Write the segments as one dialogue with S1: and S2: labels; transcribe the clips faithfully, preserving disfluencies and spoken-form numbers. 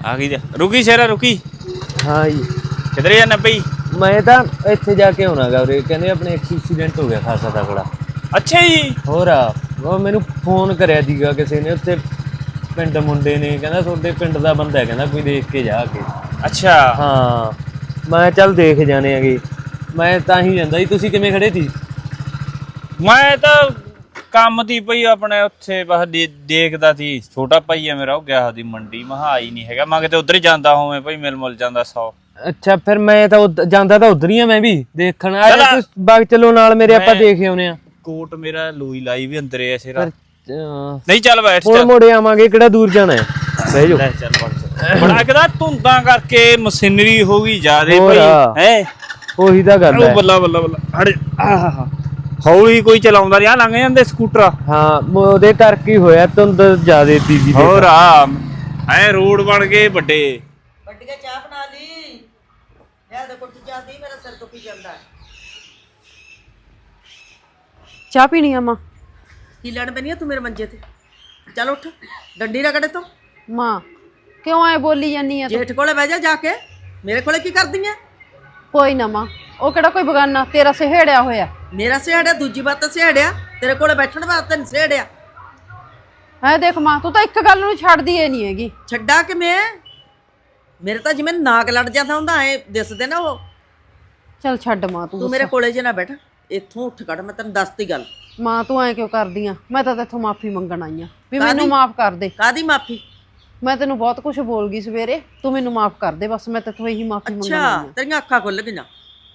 S1: आ गई रुकी शेरा रुकी।
S2: हाँ जी
S1: किधर जाना बई?
S2: मैं ਤਾਂ ਇੱਥੇ ਜਾ ਕੇ ਆਉਣਾ ਗਾ ਉਰੇ ਕਹਿੰਦੇ ਆਪਣੇ ਐਕਸੀਡੈਂਟ ਹੋ ਗਿਆ ਖਾਸਾ ਤਕੜਾ।
S1: ਅੱਛਾ ਜੀ।
S2: ਹੋਰ ਆ ਉਹ ਮੈਨੂੰ ਫੋਨ ਕਰਿਆ ਸੀਗਾ ਕਿਸੇ ਨੇ ਉੱਥੇ ਪਿੰਡ ਮੁੰਡੇ ਨੇ ਕਹਿੰਦਾ ਤੁਹਾਡੇ ਪਿੰਡ ਦਾ ਬੰਦਾ ਹੈ ਕਹਿੰਦਾ ਕੋਈ ਦੇਖ ਕੇ ਜਾ ਕੇ।
S1: ਅੱਛਾ
S2: ਹਾਂ ਮੈਂ ਚੱਲ ਦੇਖ ਜਾਣੇ ਹੈਗੇ ਮੈਂ ਤਾਂ ਹੀ ਜਾਂਦਾ ਜੀ। ਤੁਸੀਂ ਕਿਵੇਂ ਖੜੇ ਸੀ?
S1: ਮੈਂ ਤਾਂ ਕੰਮ ਦੀ ਪਈ ਆਪਣੇ ਉੱਥੇ ਬਸ ਦੇਖਦਾ ਸੀ। ਛੋਟਾ ਭਾਈ ਆ ਮੇਰਾ ਉਹ ਗਿਆ ਉਹਦੀ ਮੰਡੀ ਮਹਾ ਆਈ ਨਹੀਂ ਹੈਗਾ। ਮੈਂ ਕਿਤੇ ਉਧਰ ਹੀ ਜਾਂਦਾ ਹੋਵੇਂ ਭਾਈ ਮਿਲ ਮੁਲ ਜਾਂਦਾ ਸੌ।
S2: ਅੱਛਾ ਫਿਰ ਮੈਂ ਤਾਂ ਜਾਂਦਾ ਤਾਂ ਉਧਰ ਹੀ ਆ ਮੈਂ ਵੀ ਦੇਖਣ ਆ ਜਾ ਬਾਗ ਚਲੋ ਨਾਲ ਮੇਰੇ ਆਪਾਂ ਦੇਖ ਆਉਨੇ ਆ।
S1: ਕੋਟ ਮੇਰਾ ਲੋਈ ਲਾਈ ਵੀ ਅੰਦਰੇ ਐ ਸਿਰਾ।
S2: ਨਹੀਂ
S1: ਚੱਲ ਬੈਠ
S2: ਹੁਣ ਮੁੜੇ ਆਵਾਂਗੇ ਕਿਹੜਾ ਦੂਰ ਜਾਣਾ ਹੈ। ਬਹਿ ਜਾਓ
S1: ਚੱਲ ਬਣ ਬੜਾ ਕਿਦਾ ਧੁੰਦਾਂ ਕਰਕੇ ਮਸ਼ੀਨਰੀ ਹੋ ਗਈ ਜ਼ਿਆਦੇ ਭਾਈ ਹੈ। ਉਹੀ
S2: ਤਾਂ ਗੱਲ ਹੈ।
S1: ਬੱਲਾ ਬੱਲਾ ਬੱਲਾ ਹੜ ਆਹ ਹੌਲੀ ਕੋਈ ਚਲਾਉਂਦਾ ਰਿਹਾ ਲੰਘ ਜਾਂਦੇ ਸਕੂਟਰ।
S2: ਹਾਂ ਉਹਦੇ ਕਰਕੇ ਹੋਇਆ ਧੁੰਦ ਜ਼ਿਆਦੇ ਤੀਜੀ।
S1: ਹੋਰ ਆ ਐ ਰੋਡ ਬਣ ਗਏ ਵੱਡੇ
S3: ਵੱਡੀਆਂ ਚਾਹ ਬਣਾ ਲਈ ਯਾਰ ਦੇਖੋ ਚਾਹ ਦੀ ਮੇਰਾ ਸਿਰ ਦੁਖੀ ਜਾਂਦਾ ਹੈ।
S4: ਚਾਹ ਪੀਣੀ ਆ ਮਾਂ?
S3: ਕੀ ਲੜ ਪੈਣੀ ਆ ਤੂੰ ਮੇਰੇ ਮੰਜੇ ਤੇ? ਚੱਲ ਉੱਠ ਡੰਡੀ ਰਗੜੇ ਤੋਂ।
S4: ਮਾਂ ਕਿਉਂ ਐ ਬੋਲੀ ਜਾਨੀ ਆ?
S3: ਜੇਠ ਕੋਲੇ ਬਹਿ ਜਾ ਜਾ ਕੇ ਮੇਰੇ ਕੋਲੇ ਕੀ ਕਰਦੀ ਆ?
S4: ਕੋਈ ਨਾ ਮਾਂ ਉਹ ਕਿਹੜਾ ਕੋਈ ਬਗਾਨਾ ਤੇਰਾ ਸਹੇੜਿਆ ਹੋਇਆ।
S3: ਮੇਰਾ ਸਹੇੜਿਆ ਦੂਜੀ ਵਾਰ ਤਾਂ ਸਹੇੜਿਆ ਤੇਰੇ ਕੋਲੇ ਬੈਠਣ ਵਾਸਤੇ ਨਹੀਂ ਸਹੇੜਿਆ।
S4: ਹੈ ਦੇਖ ਮਾਂ ਤੂੰ ਤਾਂ ਇੱਕ ਗੱਲ ਨੂੰ ਛੱਡਦੀ ਏ ਨਹੀਂ ਹੈਗੀ।
S3: ਛੱਡਾ ਕਿ ਮੈਂ ਮੇਰੇ ਤਾਂ ਜਿਵੇਂ ਨਾਕ ਲੜ ਜਾਂਦਾ ਹੁੰਦਾ ਐ ਦਿਸਦੇ ਨਾ ਉਹ।
S4: ਚੱਲ ਛੱਡ ਮਾਂ ਤੂੰ
S3: ਤੂੰ ਮੇਰੇ ਕੋਲੇ ਜੇ ਨਾ ਬੈਠ ਇੱਥੋਂ ਉੱਠ ਕੱਢ ਮੈਂ ਤੈਨੂੰ ਦੱਸਤੀ ਗੱਲ।
S4: ਮਾਂ ਤੂੰ ਐ ਕਿਉਂ ਕਰਦੀ ਆ? ਮੈਂ ਤਾਂ ਤੇਥੋਂ ਮਾਫੀ ਮੰਗਣ ਆਈ ਆ ਵੀ ਮੈਨੂੰ ਮਾਫ ਕਰ ਦੇ।
S3: ਕਾਦੀ ਮਾਫੀ?
S4: ਮੈਂ ਤੈਨੂੰ ਬਹੁਤ ਕੁਝ ਬੋਲ ਗਈ ਸਵੇਰੇ ਤੂੰ ਮੈਨੂੰ ਮਾਫ ਕਰ ਦੇ ਬਸ। ਮੈਂ ਤੇਥੋਂ ਇਹੀ ਮਾਫੀ ਮੰਗਣ ਆਈ ਆ।
S3: ਅੱਛਾ ਤੇਰੀਆਂ ਅੱਖਾਂ ਖੁੱਲ ਗਈਆਂ?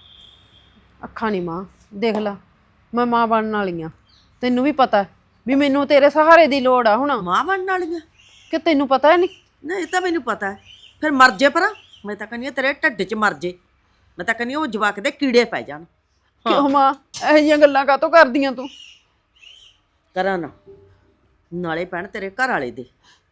S4: ਅੱਖਾਂ ਨਹੀਂ ਮਾਂ ਦੇਖ ਲੈ ਮੈਂ ਮਾਂ ਬਣਨ ਵਾਲੀ ਆ। ਤੈਨੂੰ ਵੀ ਪਤਾ ਵੀ ਮੈਨੂੰ ਤੇਰੇ ਸਹਾਰੇ ਦੀ ਲੋੜ ਆ ਹੁਣ।
S3: ਮਾਂ ਬਣਨ ਵਾਲੀਆਂ
S4: ਕਿ ਤੈਨੂੰ ਪਤਾ ਨਹੀਂ?
S3: ਨਹੀਂ ਇਹ ਤਾਂ ਮੈਨੂੰ ਪਤਾ ਹੈ। ਫਿਰ ਮਰ ਜੇ ਪਰ ਮੈਂ ਤਾਂ ਕਹਿੰਦੀ ਤੇਰੇ ਢੱਡ 'ਚ ਮਰ ਜੇ। ਮੈਂ ਤਾਂ ਕਹਿੰਦੀ ਉਹ ਜਵਾਕ ਦੇ ਕੀੜੇ ਪੈ ਜਾਣ।
S4: ਕਿਉਂ ਮਾਂ ਇਹੋ ਜਿਹੀਆਂ ਗੱਲਾਂ ਕਾਹਤੋਂ ਕਰਦੀਆਂ ਤੂੰ?
S3: ਕਰਾਂ ਨਾ ਨਾਲੇ ਪੈਣ ਤੇਰੇ ਘਰ ਵਾਲੇ ਦੇ।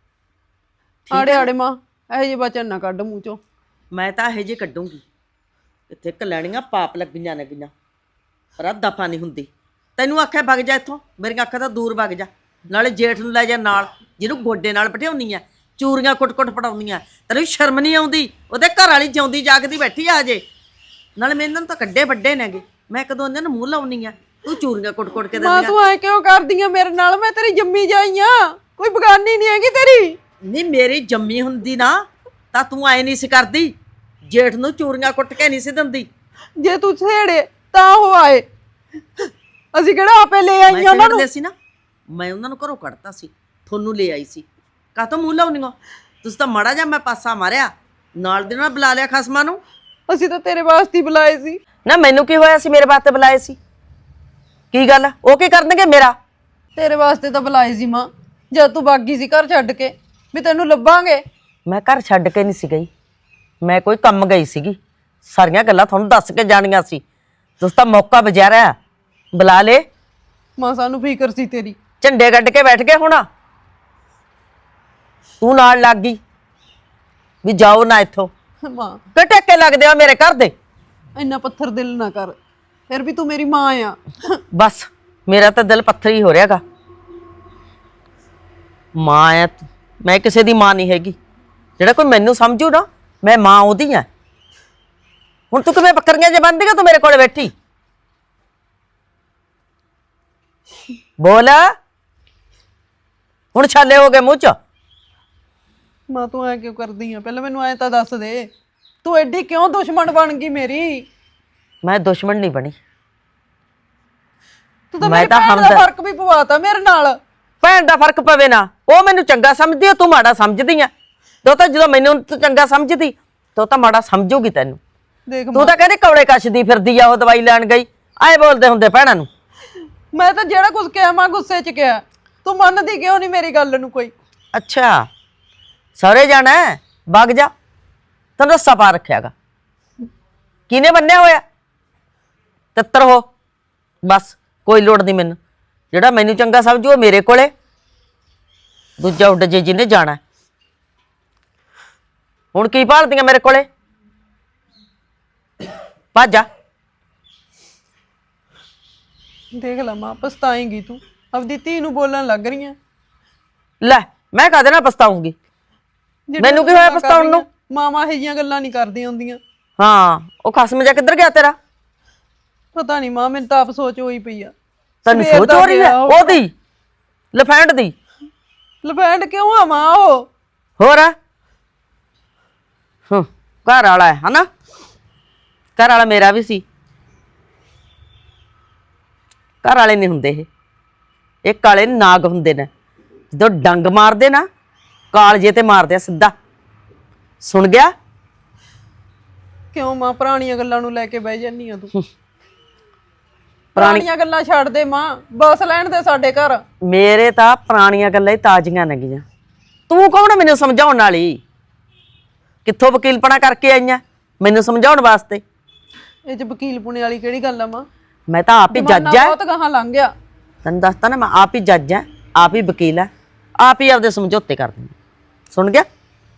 S4: ਆੜੇ ਆੜੇ ਮਾਂ ਇਹੋ ਜਿਹੇ ਵਚਨ ਨਾ ਕੱਢ ਮੂੰਹ ਚੋਂ।
S3: ਮੈਂ ਤਾਂ ਇਹੋ ਜਿਹੇ ਕੱਢੂੰਗੀ ਇੱਥੇ ਕਲੈਣੀਆਂ ਪਾਪ ਲੱਗੀਆਂ ਲੱਗੀਆਂ ਪਰ ਦਫਾ ਨਹੀਂ ਹੁੰਦੀ। ਤੈਨੂੰ ਆਖਿਆ ਵਗ ਜਾ ਇੱਥੋਂ ਮੇਰੀਆਂ ਅੱਖਾਂ ਤਾਂ ਦੂਰ ਵਗ ਜਾ। ਨਾਲੇ ਜੇਠ ਨੂੰ ਲੈ ਜਾ ਨਾਲ ਜਿਹਨੂੰ ਗੋਡੇ ਨਾਲ ਬਿਠਾਉਣੀ ਆ ਚੂਰੀਆਂ ਕੁੱਟ-ਕੁੱਟ ਪੜਾਉਂਦੀਆਂ। ਤੈਨੂੰ ਸ਼ਰਮ ਨਹੀਂ ਆਉਂਦੀ? ਉਹਦੇ ਘਰ ਵਾਲੀ ਜਿਉਂਦੀ ਜਾਗਦੀ ਬੈਠੀ ਆ ਜੇ। ਨਾਲੇ ਮੈਂ ਇਹਨਾਂ ਨੂੰ ਤਾਂ ਕੱਡੇ ਵੱਡੇ ਨੇਗੇ ਮੈਂ ਕਦੋਂ ਇਹਨਾਂ ਨੂੰ ਮੂੰਹ ਲਾਉਣੀ ਆ ਤੂੰ ਚੂਰੀਆਂ ਕੁੱਟ-ਕੁੱਟ ਕੇ
S4: ਮਾਂ ਤੂੰ ਐ ਕਿਉਂ ਕਰਦੀ ਆ ਮੇਰੇ ਨਾਲ? ਮੈਂ ਤੇਰੀ ਜੰਮੀ ਜਾਈ ਆ ਕੋਈ ਬਗਾਨੀ ਨਹੀਂ ਹੈਗੀ ਤੇਰੀ।
S3: ਨਹੀਂ ਮੇਰੀ ਜੰਮੀ ਹੁੰਦੀ ਨਾ ਤਾਂ ਤੂੰ ਐ ਨਹੀਂ ਸੀ ਕਰਦੀ। ਜੇਠ ਨੂੰ ਚੂਰੀਆਂ ਕੁੱਟ ਕੇ ਨਹੀਂ ਸੀ ਦਿੰਦੀ।
S4: ਜੇ ਤੂੰ ਛੇੜੇ ਤਾਂ ਉਹ ਆਏ ਅਸੀਂ ਕਿਹੜਾ ਆਪੇ ਲੈ ਆਈਆਂ ਉਹਨਾਂ ਨੂੰ?
S3: ਸੀ ਨਾ ਮੈਂ ਉਹਨਾਂ ਨੂੰ ਘਰੋਂ ਕੱਢਤਾ ਸੀ ਤੁਹਾਨੂੰ ਲੈ ਆਈ ਸੀ। ਕਾਹਤੋਂ ਮੂੰਹ ਲਾਉਣੀਆਂ? ਤੁਸੀਂ ਤਾਂ ਮਾੜਾ ਜਿਹਾ ਮੈਂ ਪਾਸਾ ਮਾਰਿਆ ਨਾਲ ਦੇ ਨਾਲ ਬੁਲਾ ਲਿਆ ਖਸਮਾਂ ਨੂੰ।
S4: ਅਸੀਂ ਤਾਂ ਤੇਰੇ ਵਾਸਤੇ ਬੁਲਾਏ ਸੀ
S3: ਨਾ। ਮੈਨੂੰ ਕੀ ਹੋਇਆ ਸੀ ਮੇਰੇ ਵਾਸਤੇ ਬੁਲਾਏ ਸੀ? ਕੀ ਗੱਲ ਉਹ ਕੀ ਕਰਨਗੇ ਮੇਰਾ?
S4: ਤੇਰੇ ਵਾਸਤੇ ਤਾਂ ਬੁਲਾਏ ਸੀ ਮਾਂ ਜਦ ਤੂੰ ਬਾਗੀ ਸੀ ਘਰ ਛੱਡ ਕੇ ਵੀ ਤੈਨੂੰ ਲੱਭਾਂਗੇ।
S3: ਮੈਂ ਘਰ ਛੱਡ ਕੇ ਨਹੀਂ ਸੀ ਗਈ ਮੈਂ ਕੋਈ ਕੰਮ ਗਈ ਸੀਗੀ। ਸਾਰੀਆਂ ਗੱਲਾਂ ਤੁਹਾਨੂੰ ਦੱਸ ਕੇ ਜਾਣੀਆਂ ਸੀ। ਤੁਸੀਂ ਤਾਂ ਮੌਕਾ ਬਜਾ ਰਿਹਾ ਬੁਲਾ ਲੇ।
S4: ਮਾਂ ਸਾਨੂੰ ਫਿਕਰ ਸੀ ਤੇਰੀ।
S3: ਝੰਡੇ ਗੱਡ ਕੇ ਬੈਠ ਗਏ ਹੁਣ ਤੂੰ ਨਾਲ ਲੱਗ ਗਈ ਵੀ ਜਾਓ ਨਾ ਇੱਥੋਂ।
S4: ਮਾਂ
S3: ਕਿ ਟੇਕੇ ਲੱਗਦੇ ਆ ਮੇਰੇ ਘਰ ਦੇ।
S4: ਇੰਨਾ ਪੱਥਰ ਦਿਲ ਨਾ ਕਰ ਫਿਰ ਵੀ ਤੂੰ ਮੇਰੀ ਮਾਂ ਆ।
S3: ਬਸ ਮੇਰਾ ਤਾਂ ਦਿਲ ਪੱਥਰ ਹੀ ਹੋ ਰਿਹਾਗਾ। ਮਾਂ ਆ ਮੈਂ ਕਿਸੇ ਦੀ ਮਾਂ ਨਹੀਂ ਹੈਗੀ। ਜਿਹੜਾ ਕੋਈ ਮੈਨੂੰ ਸਮਝੂ ਨਾ ਮੈਂ ਮਾਂ ਉਹਦੀ ਆ। ਹੁਣ ਤੂੰ ਕਿਵੇਂ ਬੱਕਰੀਆਂ ਜੇ ਬੰਨ੍ਹਦੀ ਆ ਤੂੰ ਮੇਰੇ ਕੋਲ ਬੈਠੀ? ਬੋਲ ਹੁਣ ਛਾਲੇ ਹੋ ਗਏ ਮੂੰਹ ਚ।
S4: ਮਾਂ ਤੂੰ ਐ ਕਿਉਂ ਕਰਦੀ ਆ? ਪਹਿਲਾਂ ਮੈਨੂੰ ਐ ਤਾਂ ਦੱਸ ਦੇ ਤੂੰ ਐਡੀ ਕਿਉਂ ਦੁਸ਼ਮਣ ਬਣ ਗਈ ਮੇਰੀ?
S3: ਮੈਂ ਦੁਸ਼ਮਣ ਨਹੀਂ ਬਣੀ।
S4: ਤੂੰ ਤਾਂ ਮੇਰੇ ਭੈਣ ਦਾ ਫਰਕ ਵੀ ਪਵਾਤਾ ਮੇਰੇ ਨਾਲ।
S3: ਭੈਣ ਦਾ ਫਰਕ ਪਵੇ ਨਾ ਉਹ ਮੈਨੂੰ ਚੰਗਾ ਸਮਝਦੀ ਆ ਤੂੰ ਮਾੜਾ ਸਮਝਦੀ ਆ। ਤੂੰ ਤਾਂ ਜਦੋਂ ਮੈਨੂੰ ਚੰਗਾ ਸਮਝਦੀ ਤੂੰ ਤਾਂ ਮਾੜਾ ਸਮਝੂਗੀ ਤੈਨੂੰ।
S4: ਦੇਖ
S3: ਤੂੰ ਤਾਂ ਕਹਿੰਦੀ ਕੌਲੇ ਕੱਛਦੀ ਫਿਰਦੀ ਆ ਉਹ ਦਵਾਈ ਲੈਣ ਗਈ। ਐ ਬੋਲਦੇ ਹੁੰਦੇ ਭੈਣਾਂ ਨੂੰ।
S4: ਮੈਂ ਤਾਂ ਜਿਹੜਾ ਕੁਝ ਕਿਹਾ ਮਾਂ ਗੁੱਸੇ 'ਚ ਕਿਹਾ ਤੂੰ ਮੰਨਦੀ ਕਿਉਂ ਨਹੀਂ ਮੇਰੀ ਗੱਲ ਨੂੰ? ਕੋਈ
S3: ਅੱਛਾ ਸਹੁਰੇ ਜਾਣਾ ਵਗ ਜਾ ਤੈਨੂੰ ਰੱਸਾ ਪਾ ਰੱਖਿਆਗਾ। ਕਿਹਨੇ ਬੰਨਿਆ ਹੋਇਆ? ਤਿੱਤਰ ਹੋ ਬਸ ਕੋਈ ਲੋੜ ਨਹੀਂ ਮੈਨੂੰ। ਜਿਹੜਾ ਮੈਨੂੰ ਚੰਗਾ ਸਮਝੂ ਉਹ ਮੇਰੇ ਕੋਲੇ। ਦੂਜਾ ਉੱਡ ਜੇ ਜਿਹਨੇ ਜਾਣਾ। ਹੁਣ ਕੀ ਭਾਲਦੀਆਂ ਮੇਰੇ ਕੋਲੇ? ਭੱਜ ਜਾ।
S4: ਦੇਖ ਲੈ ਮਾਂ ਪਛਤਾਏਂਗੀ ਤੂੰ ਆਪਦੀ ਧੀ ਨੂੰ ਬੋਲਣ ਲੱਗ ਰਹੀ ਆ।
S3: ਲੈ ਮੈਂ ਕਾਹਦੇ ਨਾਲ ਪਛਤਾਉਂਗੀ? ਮੈਨੂੰ ਕੀ ਹੋਇਆ ਪਛਤਾਉਣ ਨੂੰ?
S4: ਮਾਮਾ ਇਹ ਜੀਆਂ ਗੱਲਾਂ ਨਹੀਂ ਕਰਦੀਆਂ ਹੁੰਦੀਆਂ।
S3: ਹਾਂ ਉਹ ਖਸਮ ਜਾ ਕਿੱਧਰ ਗਿਆ ਤੇਰਾ?
S4: ਪਤਾ ਨਹੀਂ ਮਾਂ, ਮੈਨੂੰ ਤਾਂ ਆਪ ਸੋਚ ਹੋਈ ਪਈ ਆ।
S3: ਤੈਨੂੰ ਸੋਚ ਹੋ ਰਹੀ ਹੈ ਉਹਦੀ ਲਫੈਂਡ ਦੀ?
S4: ਲਫੈਂਡ ਕਿਉਂ ਆ ਮਾਂ? ਉਹ
S3: ਹੋਰ ਹਾਂ ਘਰ ਵਾਲਾ ਹੈ ਹਨਾ? ਘਰ ਵਾਲਾ ਮੇਰਾ ਵੀ ਸੀ। ਘਰ ਵਾਲੇ ਨਹੀਂ ਹੁੰਦੇ ਇਹ ਇਹ ਕਾਲੇ ਨਾਗ ਹੁੰਦੇ ਨੇ। ਜਦੋਂ ਡੰਗ ਮਾਰਦੇ ਨਾ ਕਾਲਜੇ ਤੇ ਮਾਰਦੇ ਆ ਸਿੱਧਾ। ਸੁਣ ਗਿਆ?
S4: ਕਿਉਂ ਮਾਂ ਪੁਰਾਣੀਆਂ ਗੱਲਾਂ ਨੂੰ ਲੈ ਕੇ ਬਹਿ ਜਾਨੀ ਆ ਤੂੰ? ਪੁਰਾਣੀਆਂ ਗੱਲਾਂ ਛੱਡ ਦੇ ਮਾਂ, ਬਸ ਲੈਣ ਦੇ ਸਾਡੇ ਘਰ।
S3: ਮੇਰੇ ਤਾਂ ਪੁਰਾਣੀਆਂ ਗੱਲਾਂ ਹੀ ਤਾਜ਼ੀਆਂ ਨੇਗੀਆਂ। ਤੂੰ ਕੌਣ ਆ ਮੈਨੂੰ ਸਮਝਾਉਣ ਵਾਲੀ? ਕਿੱਥੋਂ ਵਕੀਲਪਣਾ ਕਰਕੇ ਆਈਆਂ ਮੈਨੂੰ ਸਮਝਾਉਣ ਵਾਸਤੇ?
S4: ਇਹ ਚ ਵਕੀਲ ਪੁਣੇ ਵਾਲੀ ਕਿਹੜੀ ਗੱਲ ਆ ਮਾਂ?
S3: ਮੈਂ ਤਾਂ ਆਪ ਹੀ ਜੱਜ ਆ।
S4: ਬਹੁਤ ਗਾਹਾਂ ਲੰਘ ਗਿਆ।
S3: ਤੈਨੂੰ ਦੱਸਤਾ ਨਾ ਮੈਂ ਆਪ ਹੀ ਜੱਜ ਆ, ਆਪ ਹੀ ਵਕੀਲ ਆ, ਆਪ ਹੀ ਆਪਦੇ ਸਮਝੌਤੇ ਕਰ ਦਿੰਦੀ। ਸੁਣ ਗਿਆ?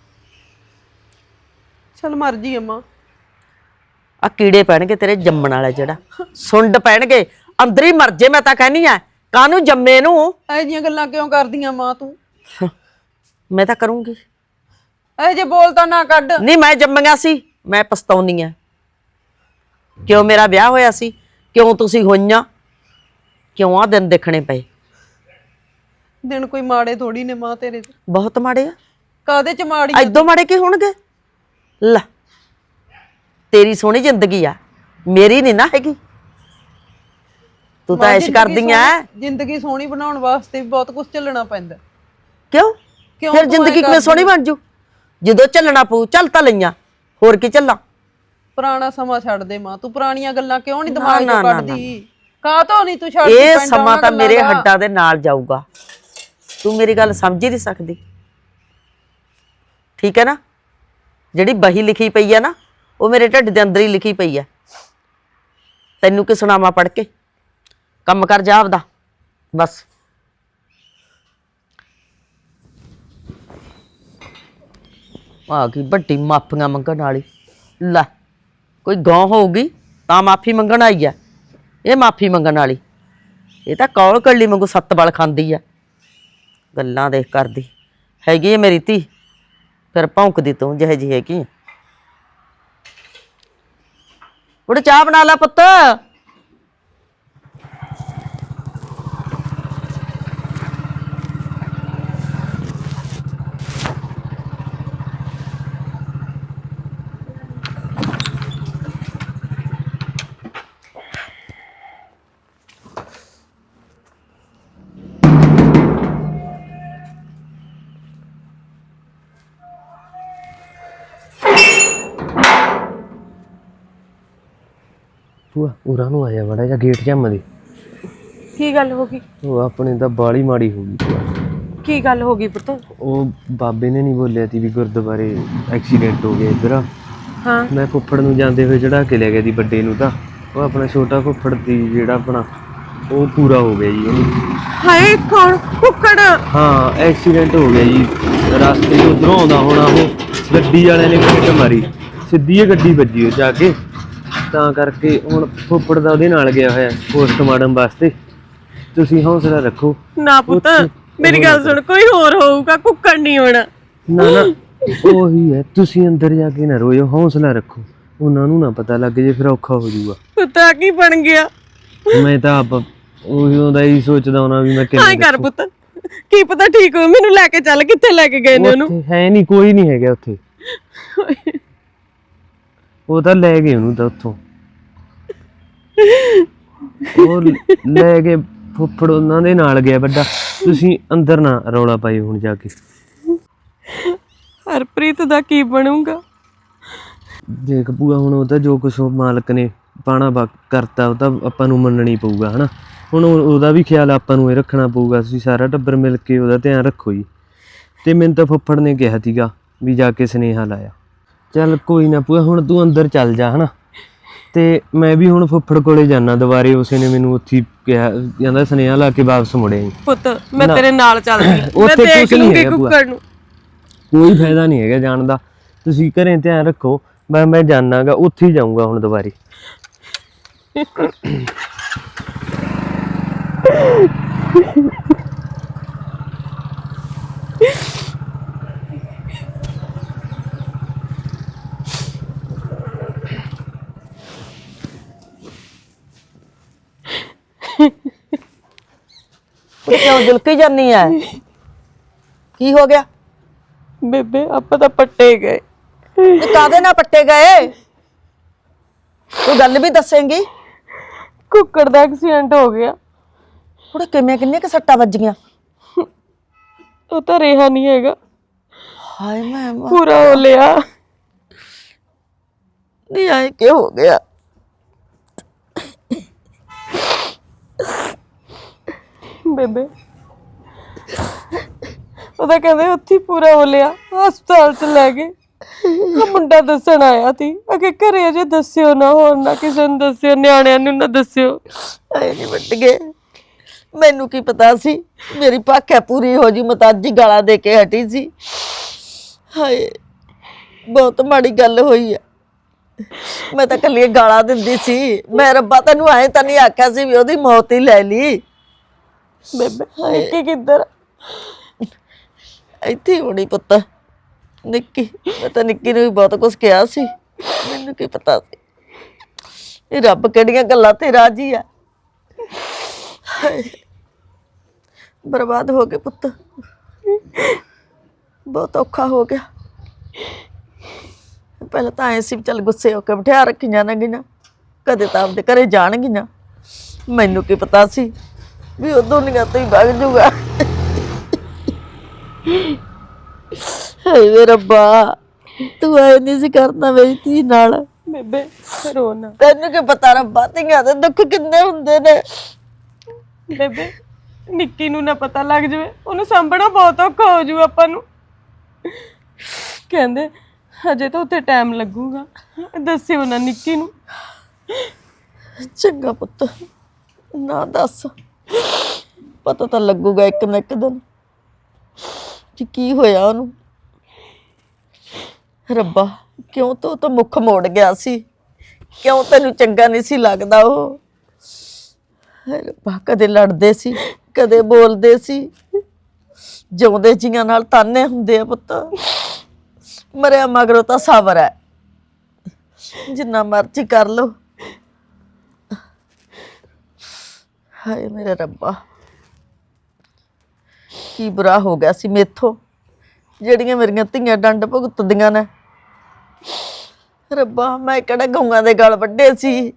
S4: ਚਲ ਮਰਜੀ ਆ ਮਾਂ।
S3: ਆ ਕੀੜੇ ਪੈਣਗੇ ਤੇਰੇ ਜੰਮਣ ਵਾਲੇ, ਜਿਹੜਾ ਸੁੰਡ ਪੈਣਗੇ ਅੰਦਰ ਹੀ ਮਰ ਜੇ। ਮੈਂ ਤਾਂ ਕਹਿਨੀ ਆ ਕਾਹਨੂੰ ਜੰਮੇ ਨੂੰ।
S4: ਇਹ ਜੀਆਂ ਗੱਲਾਂ ਕਿਉਂ ਕਰਦੀਆਂ ਮਾਂ ਤੂੰ?
S3: ਮੈਂ ਤਾਂ ਕਰੂੰਗੀ।
S4: ਇਹ ਜੇ ਬੋਲ ਤਾਂ ਨਾ ਕੱਢ।
S3: ਨਹੀਂ ਮੈਂ ਜੰਮੀਆਂ ਸੀ, ਮੈਂ ਪਛਤਾਉਣੀ ਆ। ਕਿਉਂ ਮੇਰਾ ਵਿਆਹ ਹੋਇਆ ਸੀ? ਕਿਉਂ ਤੁਸੀਂ ਹੋਈਆਂ? ਕਿਉਂ ਆ ਦਿਨ ਦੇਖਣੇ ਪਏ?
S4: ਦਿਨ ਕੋਈ ਮਾੜੇ ਥੋੜੀ ਨੇ ਮਾਂ ਤੇਰੇ ਤੇ।
S3: ਬਹੁਤ ਮਾੜੇ ਆ।
S4: ਕਾਦੇ ਚ ਮਾੜੀ?
S3: ਐਦੋਂ ਮਾੜੇ ਕੀ ਹੋਣਗੇ? ਲੈ ਤੇਰੀ ਸੋਹਣੀ ਜ਼ਿੰਦਗੀ ਆ, ਮੇਰੀ ਨਹੀਂ ਨਾ ਹੈਗੀ। ਤੂੰ ਤਾਂ ਐਸ਼ ਕਰਦੀ ਆ।
S4: ਜ਼ਿੰਦਗੀ ਸੋਹਣੀ ਬਣਾਉਣ ਵਾਸਤੇ ਵੀ ਬਹੁਤ ਕੁਝ ਝੱਲਣਾ ਪੈਂਦਾ।
S3: ਕਿਉਂ? ਫਿਰ ਜ਼ਿੰਦਗੀ ਕਿਵੇਂ ਸੋਹਣੀ ਬਣ ਜੂ? ਜਦੋਂ ਝੱਲਣਾ ਪਊ ਚੱਲ ਤਾਂ ਲਈਆਂ, ਹੋਰ ਕੀ ਝੱਲਾਂ?
S4: ਪੁਰਾਣਾ ਸਮਾਂ ਛੱਡ ਦੇ ਮਾਂ, ਤੂੰ ਪੁਰਾਣੀਆਂ ਗੱਲਾਂ ਕਿਉਂ ਨਹੀਂ ਦਿਮਾਗ ਚੋਂ ਕੱਢਦੀ? ਕਾਹ ਤੋਂ ਨਹੀਂ ਤੂੰ ਛੱਡਦੀ?
S3: ਇਹ ਸਮਾਂ ਤਾਂ ਮੇਰੇ ਹੱਡਾਂ ਦੇ ਨਾਲ ਜਾਊਗਾ। ਤੂੰ ਮੇਰੀ ਗੱਲ ਸਮਝ ਹੀ ਨਹੀਂ ਸਕਦੀ, ਠੀਕ ਹੈ ਨਾ? ਜਿਹੜੀ ਬਹੀ ਲਿਖੀ ਪਈ ਆ ਨਾ ਉਹ ਮੇਰੇ ਢਿੱਡ ਦੇ ਅੰਦਰ ਹੀ ਲਿਖੀ ਪਈ ਆ। ਤੈਨੂੰ ਕੀ ਸੁਣਾਵਾਂ ਪੜ੍ਹ ਕੇ? ਕੰਮ ਕਰ ਜਾ ਆਪਦਾ ਬਸ। ਆ ਗਈ ਵੱਡੀ ਮਾਫੀਆਂ ਮੰਗਣ ਵਾਲੀ। ਲੈ ਕੋਈ ਗਾਂ ਹੋਊਗੀ ਤਾਂ ਮਾਫੀ ਮੰਗਣ ਆਈ ਆ, ਇਹ ਮਾਫੀ ਮੰਗਣ ਵਾਲੀ। ਇਹ ਤਾਂ ਕੌਲ ਕੱਲੀ ਵਾਂਗੂ ਸੱਤ ਬਲ ਖਾਂਦੀ ਆ। ਗੱਲਾਂ ਦੇਖ ਕਰਦੀ ਹੈਗੀ ਹੈ ਮੇਰੀ ਧੀ, ਫਿਰ ਭੌਂਕਦੀ ਤੂੰ ਜਿਹੇ ਜਿਹੀ ਹੈਗੀ। ਉੜ ਚਾਹ ਬਣਾ ਲੈ ਪੁੱਤ।
S2: ਭੂਆ ਉਰਾਂ ਨੂੰ ਆਇਆ ਬੜਾ ਜਿਹਾ ਗੇਟ ਝੰਮ ਦੇ।
S5: ਕੀ ਗੱਲ ਹੋ ਗਈ?
S2: ਉਹ ਆਪਣੇ ਤਾਂ ਬਾਲੀ ਮਾੜੀ ਹੋ ਗਈ ਭੂਆ।
S5: ਕੀ ਗੱਲ ਹੋ ਗਈ ਪੁੱਤ?
S2: ਉਹ ਬਾਬੇ ਨੇ ਨਹੀਂ ਬੋਲਿਆ ਸੀ ਵੀ ਗੁਰਦੁਆਰੇ ਐਕਸੀਡੈਂਟ ਹੋ ਗਿਆ ਇੱਧਰ।
S5: ਹਾਂ
S2: ਮੈਂ ਫੁੱਫੜ ਨੂੰ ਜਾਂਦੇ ਹੋਏ ਚੜਾ ਕੇ ਲੈ ਗਿਆ ਸੀ ਵੱਡੇ ਨੂੰ, ਤਾਂ ਉਹ ਆਪਣਾ ਛੋਟਾ ਫੁੱਫੜ ਸੀ ਜਿਹੜਾ ਆਪਣਾ, ਉਹ ਪੂਰਾ ਹੋ ਗਿਆ ਜੀ ਉਹਨੂੰ।
S5: ਹਾਏ ਕੌਣ? ਕੁੱਕੜ?
S2: ਹਾਂ ਐਕਸੀਡੈਂਟ ਹੋ ਗਿਆ ਜੀ, ਰਸਤੇ 'ਚ ਉੱਧਰੋਂ ਆਉਂਦਾ ਹੋਣਾ, ਉਹ ਗੱਡੀ ਵਾਲਿਆਂ ਨੇ ਮਿੰਟ ਮਾਰੀ, ਸਿੱਧੀ ਇਹ ਗੱਡੀ ਵੱਜੀ ਉਹ ਜਾ ਕੇ, ਤਾਂ ਕਰਕੇ ਹੁਣ ਫੁੱਫੜ ਦਾ ਉਹਦੇ ਨਾਲ ਗਿਆ ਹੋਇਆ ਪੋਸਟਮਾਰਟਮ ਵਾਸਤੇ। ਤੁਸੀਂ ਹੌਸਲਾ ਰੱਖੋ।
S5: ਨਾ ਪੁੱਤ ਮੇਰੀ ਗੱਲ ਸੁਣ, ਕੋਈ ਹੋਰ ਹੋਊਗਾ, ਕੁੱਕੜ ਨਹੀਂ ਹੋਣਾ।
S2: ਨਾ ਨਾ ਉਹੀ ਹੈ, ਤੁਸੀਂ ਅੰਦਰ ਜਾ ਕੇ ਨਾ ਰੋਇਓ, ਹੌਸਲਾ ਰੱਖੋ। ਉਹਨਾਂ ਨੂੰ ਨਾ ਪਤਾ ਲੱਗ ਜੇ ਫਿਰ ਔਖਾ ਹੋ ਜਾਊਗਾ।
S5: ਪੁੱਤਾ ਕੀ ਬਣ ਗਿਆ?
S2: ਮੈਂ ਤਾਂ ਆਪ ਉਹੀ ਉਹਦਾ ਹੀ ਸੋਚਦਾ ਹੋਣਾ ਵੀ ਮੈਂ
S5: ਹਾਂ
S2: ਕਿਵੇਂ
S5: ਕਰ ਪੁੱਤ, ਕੀ ਪਤਾ ਠੀਕ ਹੋ। ਮੈਨੂੰ ਲੈ ਕੇ ਚੱਲ, ਕਿੱਥੇ ਲੈ ਕੇ ਗਏ ਨੇ ਉਹਨੂੰ?
S2: ਉੱਥੇ ਹੈ ਨਹੀਂ, ਕੋਈ ਨਹੀਂ ਹੈਗਾ ਉੱਥੇ। ਉਹ ਤਾਂ ਲੈ ਗਏ ਉਹਨੂੰ ਤਾਂ ਉੱਥੋਂ, ਉਹ ਲੈ ਕੇ ਫੁੱਫੜ ਉਹਨਾਂ ਦੇ ਨਾਲ ਗਿਆ ਵੱਡਾ। ਤੁਸੀਂ ਅੰਦਰ ਨਾ ਰੌਲਾ ਪਾਈ ਹੁਣ ਜਾ ਕੇ।
S5: ਹਰਪ੍ਰੀਤ ਦਾ ਕੀ ਬਣੂਗਾ?
S2: ਦੇਖ ਭੂਆ ਹੁਣ ਉਹ ਤਾਂ ਜੋ ਕੁਛ ਉਹ ਮਾਲਕ ਨੇ ਪਾਣਾ ਵਾ ਕਰਤਾ ਉਹ ਤਾਂ ਆਪਾਂ ਨੂੰ ਮੰਨਣੀ ਪਊਗਾ ਹਨਾ। ਹੁਣ ਉਹਦਾ ਵੀ ਖਿਆਲ ਆਪਾਂ ਨੂੰ ਇਹ ਰੱਖਣਾ ਪਊਗਾ। ਤੁਸੀਂ ਸਾਰਾ ਟੱਬਰ ਮਿਲ ਕੇ ਉਹਦਾ ਧਿਆਨ ਰੱਖੋ ਜੀ। ਤੇ ਮੈਨੂੰ ਤਾਂ ਫੁੱਫੜ ਨੇ ਕਿਹਾ ਸੀਗਾ ਵੀ ਜਾ ਕੇ ਸੁਨੇਹਾ ਲਾਇਆ। ਚੱਲ ਕੋਈ ਨਾ ਭੂਆ, ਹੁਣ ਤੂੰ ਅੰਦਰ ਚੱਲ ਜਾ ਹਨਾ। ਤੇ ਮੈਂ ਵੀ ਹੁਣ ਫੁੱਫੜ ਕੋਲੇ ਜਾਣਾ ਦੁਬਾਰੇ। ਉਸੇ ਨੇ ਮੈਨੂੰ ਉੱਥੇ ਕਿਹਾ, ਕਹਿੰਦਾ ਸੁਨੇਹਾ ਲਾ ਕੇ ਵਾਪਸ ਮੁੜਿਆ।
S5: ਪੁੱਤ ਮੈਂ ਤੇਰੇ ਨਾਲ ਚੱਲਦੀ ਹਾਂ, ਮੈਂ
S2: ਉੱਥੇ
S5: ਦੇਖ
S2: ਕੁਛ ਨਹੀਂ
S5: ਲੂੰਗੀ
S2: ਹੈਗਾ ਭੂਆ।
S5: ਕੁੱਕੜ ਨੂੰ।
S2: ਕੋਈ ਫਾਇਦਾ ਨਹੀਂ ਹੈਗਾ ਜਾਣ ਦਾ, ਤੁਸੀਂ ਘਰੇ ਧਿਆਨ ਰੱਖੋ। ਮੈਂ ਮੈਂ ਜਾਣਾਗਾ, ਉੱਥੇ ਹੀ ਜਾਊਂਗਾ ਹੁਣ ਦੁਬਾਰੇ।
S3: ਕੁੜੇ ਕਿਉਂ ਜੁਲਕੀ ਜਾਨੀ ਐ? ਕੀ ਹੋ ਗਿਆ?
S5: ਬੇਬੇ ਆਪਾਂ ਤਾਂ ਪੱਟੇ ਗਏ।
S3: ਤੇ ਕਾਦੇ ਨਾਲ ਪੱਟੇ ਗਏ? ਤੂੰ ਗੱਲ ਵੀ ਦੱਸੇਂਗੀ?
S5: ਕੁੱਕੜ ਦਾ ਐਕਸੀਡੈਂਟ ਹੋ ਗਿਆ।
S3: ਕੁੜੇ ਕਿਵੇਂ ਕਿੰਨੇ ਕੁ ਸੱਟਾਂ ਵੱਜੀਆਂ?
S5: ਉਹ ਤਾਂ ਰਿਹਾ ਨਹੀਂ ਹੈਗਾ,
S3: ਹਾਏ ਮੈਂ ਮਰ-
S5: ਪੂਰਾ ਹੋ ਲਿਆ।
S3: ਨਹੀਂ ਆਏ ਕੀ ਹੋ ਗਿਆ?
S5: ਬੇਬੇ ਉਹਦਾ ਕਹਿੰਦੇ ਉੱਥੇ ਹੀ ਪੂਰਾ ਹੋ ਲਿਆ, ਹਸਪਤਾਲ ਚ ਲੈ ਗਏ। ਉਹ ਮੁੰਡਾ ਦੱਸਣ ਆਇਆ ਸੀ ਅਗੇ ਘਰੇ ਅਜੇ ਦੱਸਿਓ ਨਾ, ਹੋਰ ਨਾ ਕਿਸੇ ਨੂੰ ਦੱਸਿਓ, ਨਿਆਣਿਆਂ ਨੂੰ ਨਾ ਦੱਸਿਓ।
S3: ਆਏ ਨਹੀਂ ਵੱਟ ਗਏ। ਮੈਨੂੰ ਕੀ ਪਤਾ ਸੀ ਮੇਰੀ ਭਾਖਿਆ ਪੂਰੀ ਹੋ ਜੀ, ਮਤਾਜੀ ਗਾਲਾਂ ਦੇ ਕੇ ਹਟੀ ਸੀ। ਹਾਏ ਬਹੁਤ ਮਾੜੀ ਗੱਲ ਹੋਈ ਆ। ਮੈਂ ਤਾਂ ਕੱਲੀ ਗਾਲਾਂ ਦਿੰਦੀ ਸੀ। ਮੈਂ ਰੱਬਾ ਤੈਨੂੰ ਐ ਤਾਂ ਨਹੀਂ ਆਖਿਆ ਸੀ ਵੀ ਉਹਦੀ ਮੌਤ ਹੀ ਲੈ ਲਈ।
S5: ਬੇਬੇ ਨਿੱਕੀ ਕਿੱਧਰ?
S3: ਇੱਥੇ ਹੀ ਹੋਣੀ ਪੁੱਤ। ਨਿੱਕੀ, ਮੈਂ ਤਾਂ ਨਿੱਕੀ ਨੂੰ ਵੀ ਬਹੁਤ ਕੁਝ ਕਿਹਾ ਸੀ, ਮੈਨੂੰ ਕੀ ਪਤਾ ਸੀ ਇਹ ਰੱਬ ਕਿਹੜੀਆਂ ਗੱਲਾਂ ਤੇ ਰਾਜੀ ਆ। ਹਾਏ, ਬਰਬਾਦ ਹੋ ਗਏ ਪੁੱਤ, ਬਹੁਤ ਔਖਾ ਹੋ ਗਿਆ। ਪਹਿਲਾਂ ਤਾਂ ਐ ਸੀ ਵੀ ਚੱਲ ਗੁੱਸੇ ਹੋ ਕੇ ਬਿਠਾ ਰੱਖੀਆਂ ਨਾ ਗਈਆਂ, ਕਦੇ ਤਾਂ ਆਪਦੇ ਘਰੇ ਜਾਣਗੀਆਂ। ਮੈਨੂੰ ਕੀ ਪਤਾ ਸੀ ਵੀ ਉਹ ਦੁਨੀਆ ਤੋਂ ਹੀ ਵਗ ਜੂਗਾ। ਹਾਏ ਵੇ ਰੱਬਾ, ਤੂੰ ਐ ਨਹੀਂ ਸੀ ਕਰਨਾ ਮੇਰੀ ਧੀ ਨਾਲ।
S5: ਬੇਬੇ ਰੋ ਨਾ।
S3: ਤੈਨੂੰ ਕੀ ਪਤਾ ਰੱਬਾ, ਧੀਆਂ ਦੇ ਦੁੱਖ ਕਿੰਨੇ ਹੁੰਦੇ ਨੇ।
S5: ਬੇਬੇ ਨਿੱਕੀ ਨੂੰ ਨਾ ਪਤਾ ਲੱਗ ਜਾਵੇ, ਉਹਨੂੰ ਸਾਂਭਣਾ ਬਹੁਤ ਔਖਾ ਹੋ ਜੂ ਆਪਾਂ ਨੂੰ। ਕਹਿੰਦੇ ਹਜੇ ਤਾਂ ਉੱਥੇ ਟਾਈਮ ਲੱਗੂਗਾ, ਦੱਸਿਓ ਨਾ ਨਿੱਕੀ ਨੂੰ।
S3: ਚੰਗਾ ਪੁੱਤ, ਨਾ ਦੱਸ, ਪਤਾ ਤਾਂ ਲੱਗੂਗਾ ਇੱਕ ਨਾ ਇੱਕ ਦਿਨ ਕਿ ਕੀ ਹੋਇਆ ਉਹਨੂੰ। ਰੱਬਾ ਕਿਉਂ ਤੂੰ ਤਾਂ ਮੁੱਖ ਮੋੜ ਗਿਆ ਸੀ, ਕਿਉਂ ਤੈਨੂੰ ਚੰਗਾ ਨਹੀਂ ਸੀ ਲੱਗਦਾ ਉਹ। ਹਾਏ ਰੱਬਾ, ਕਦੇ ਲੜਦੇ ਸੀ, ਕਦੇ ਬੋਲਦੇ ਸੀ। ਜਿਉਂਦੇ ਜੀਆਂ ਨਾਲ ਤਾਨੇ ਹੁੰਦੇ ਆ ਪੁੱਤ, ਮਰਿਆ ਮਗਰੋਂ ਤਾਂ ਸਬਰ ਹੈ। ਜਿੰਨਾ ਮਰਜ਼ੀ ਕਰ ਲੋ। ਹਾਏ ਮੇਰੇ ਰੱਬਾ, ਕੀ ਬੁਰਾ ਹੋ ਗਿਆ ਸੀ ਮੇਥੋਂ, ਜਿਹੜੀਆਂ ਮੇਰੀਆਂ ਧੀਆਂ ਡੰਡ ਭੁਗਤਦੀਆਂ ਨੇ। ਰੱਬਾ ਮੈਂ ਕਿਹੜਾ ਗਊਆਂ ਦੇ ਗਲ ਵੱਡੇ ਸੀ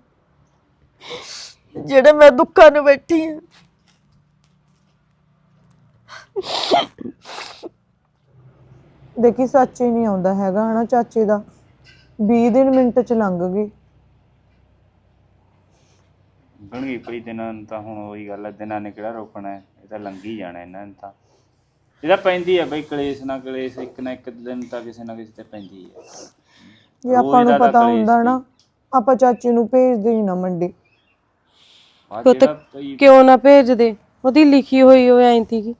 S3: ਜਿਹੜੇ ਮੈਂ ਦੁੱਖਾਂ ਨੂੰ ਬੈਠੀ ਆ।
S6: ਦੇਖੀ ਸੱਚ ਹੀ ਨਹੀਂ ਆਉਂਦਾ ਹੈਗਾ ਹਨਾ ਚਾਚੇ ਦਾ। ਵੀਹ ਦਿਨ ਮਿੰਟ ਚ ਲੰਘ ਗਈ।
S1: ਲੰਘ ਗਈ ਪਈ ਦਿਨਾਂ ਨੂੰ ਤਾਂ। ਹੁਣ ਉਹੀ ਗੱਲ ਹੈ, ਦਿਨਾਂ ਨੇ ਕਿਹੜਾ ਰੋਕਣਾ ਹੈ, ਇਹ ਤਾਂ ਲੰਘੀ ਜਾਣਾ ਇਹਨਾਂ ਨੇ ਤਾਂ। ਇਹਦਾ ਪੈਂਦੀ ਹੈ ਬਈ ਕਲੇਸ਼ ਨਾ ਕਲੇਸ਼, ਇੱਕ ਨਾ ਇੱਕ ਦਿਨ ਤਾਂ ਕਿਸੇ ਨਾ ਕਿਸੇ ਤੇ ਪੈਂਦੀ ਹੈ।
S6: ਜੇ ਆਪਾਂ ਨੂੰ ਪਤਾ ਹੁੰਦਾ ਨਾ, ਆਪਾਂ ਚਾਚੇ ਨੂੰ ਭੇਜਦੇ ਹੀ ਨਾ ਮੰਡੀ।
S5: ਪੁੱਤ ਕਿਉਂ ਨਾ ਭੇਜਦੇ, ਉਹਦੀ ਲਿਖੀ ਹੋਈ ਉਹ ਐਂ ਸੀਗੀ।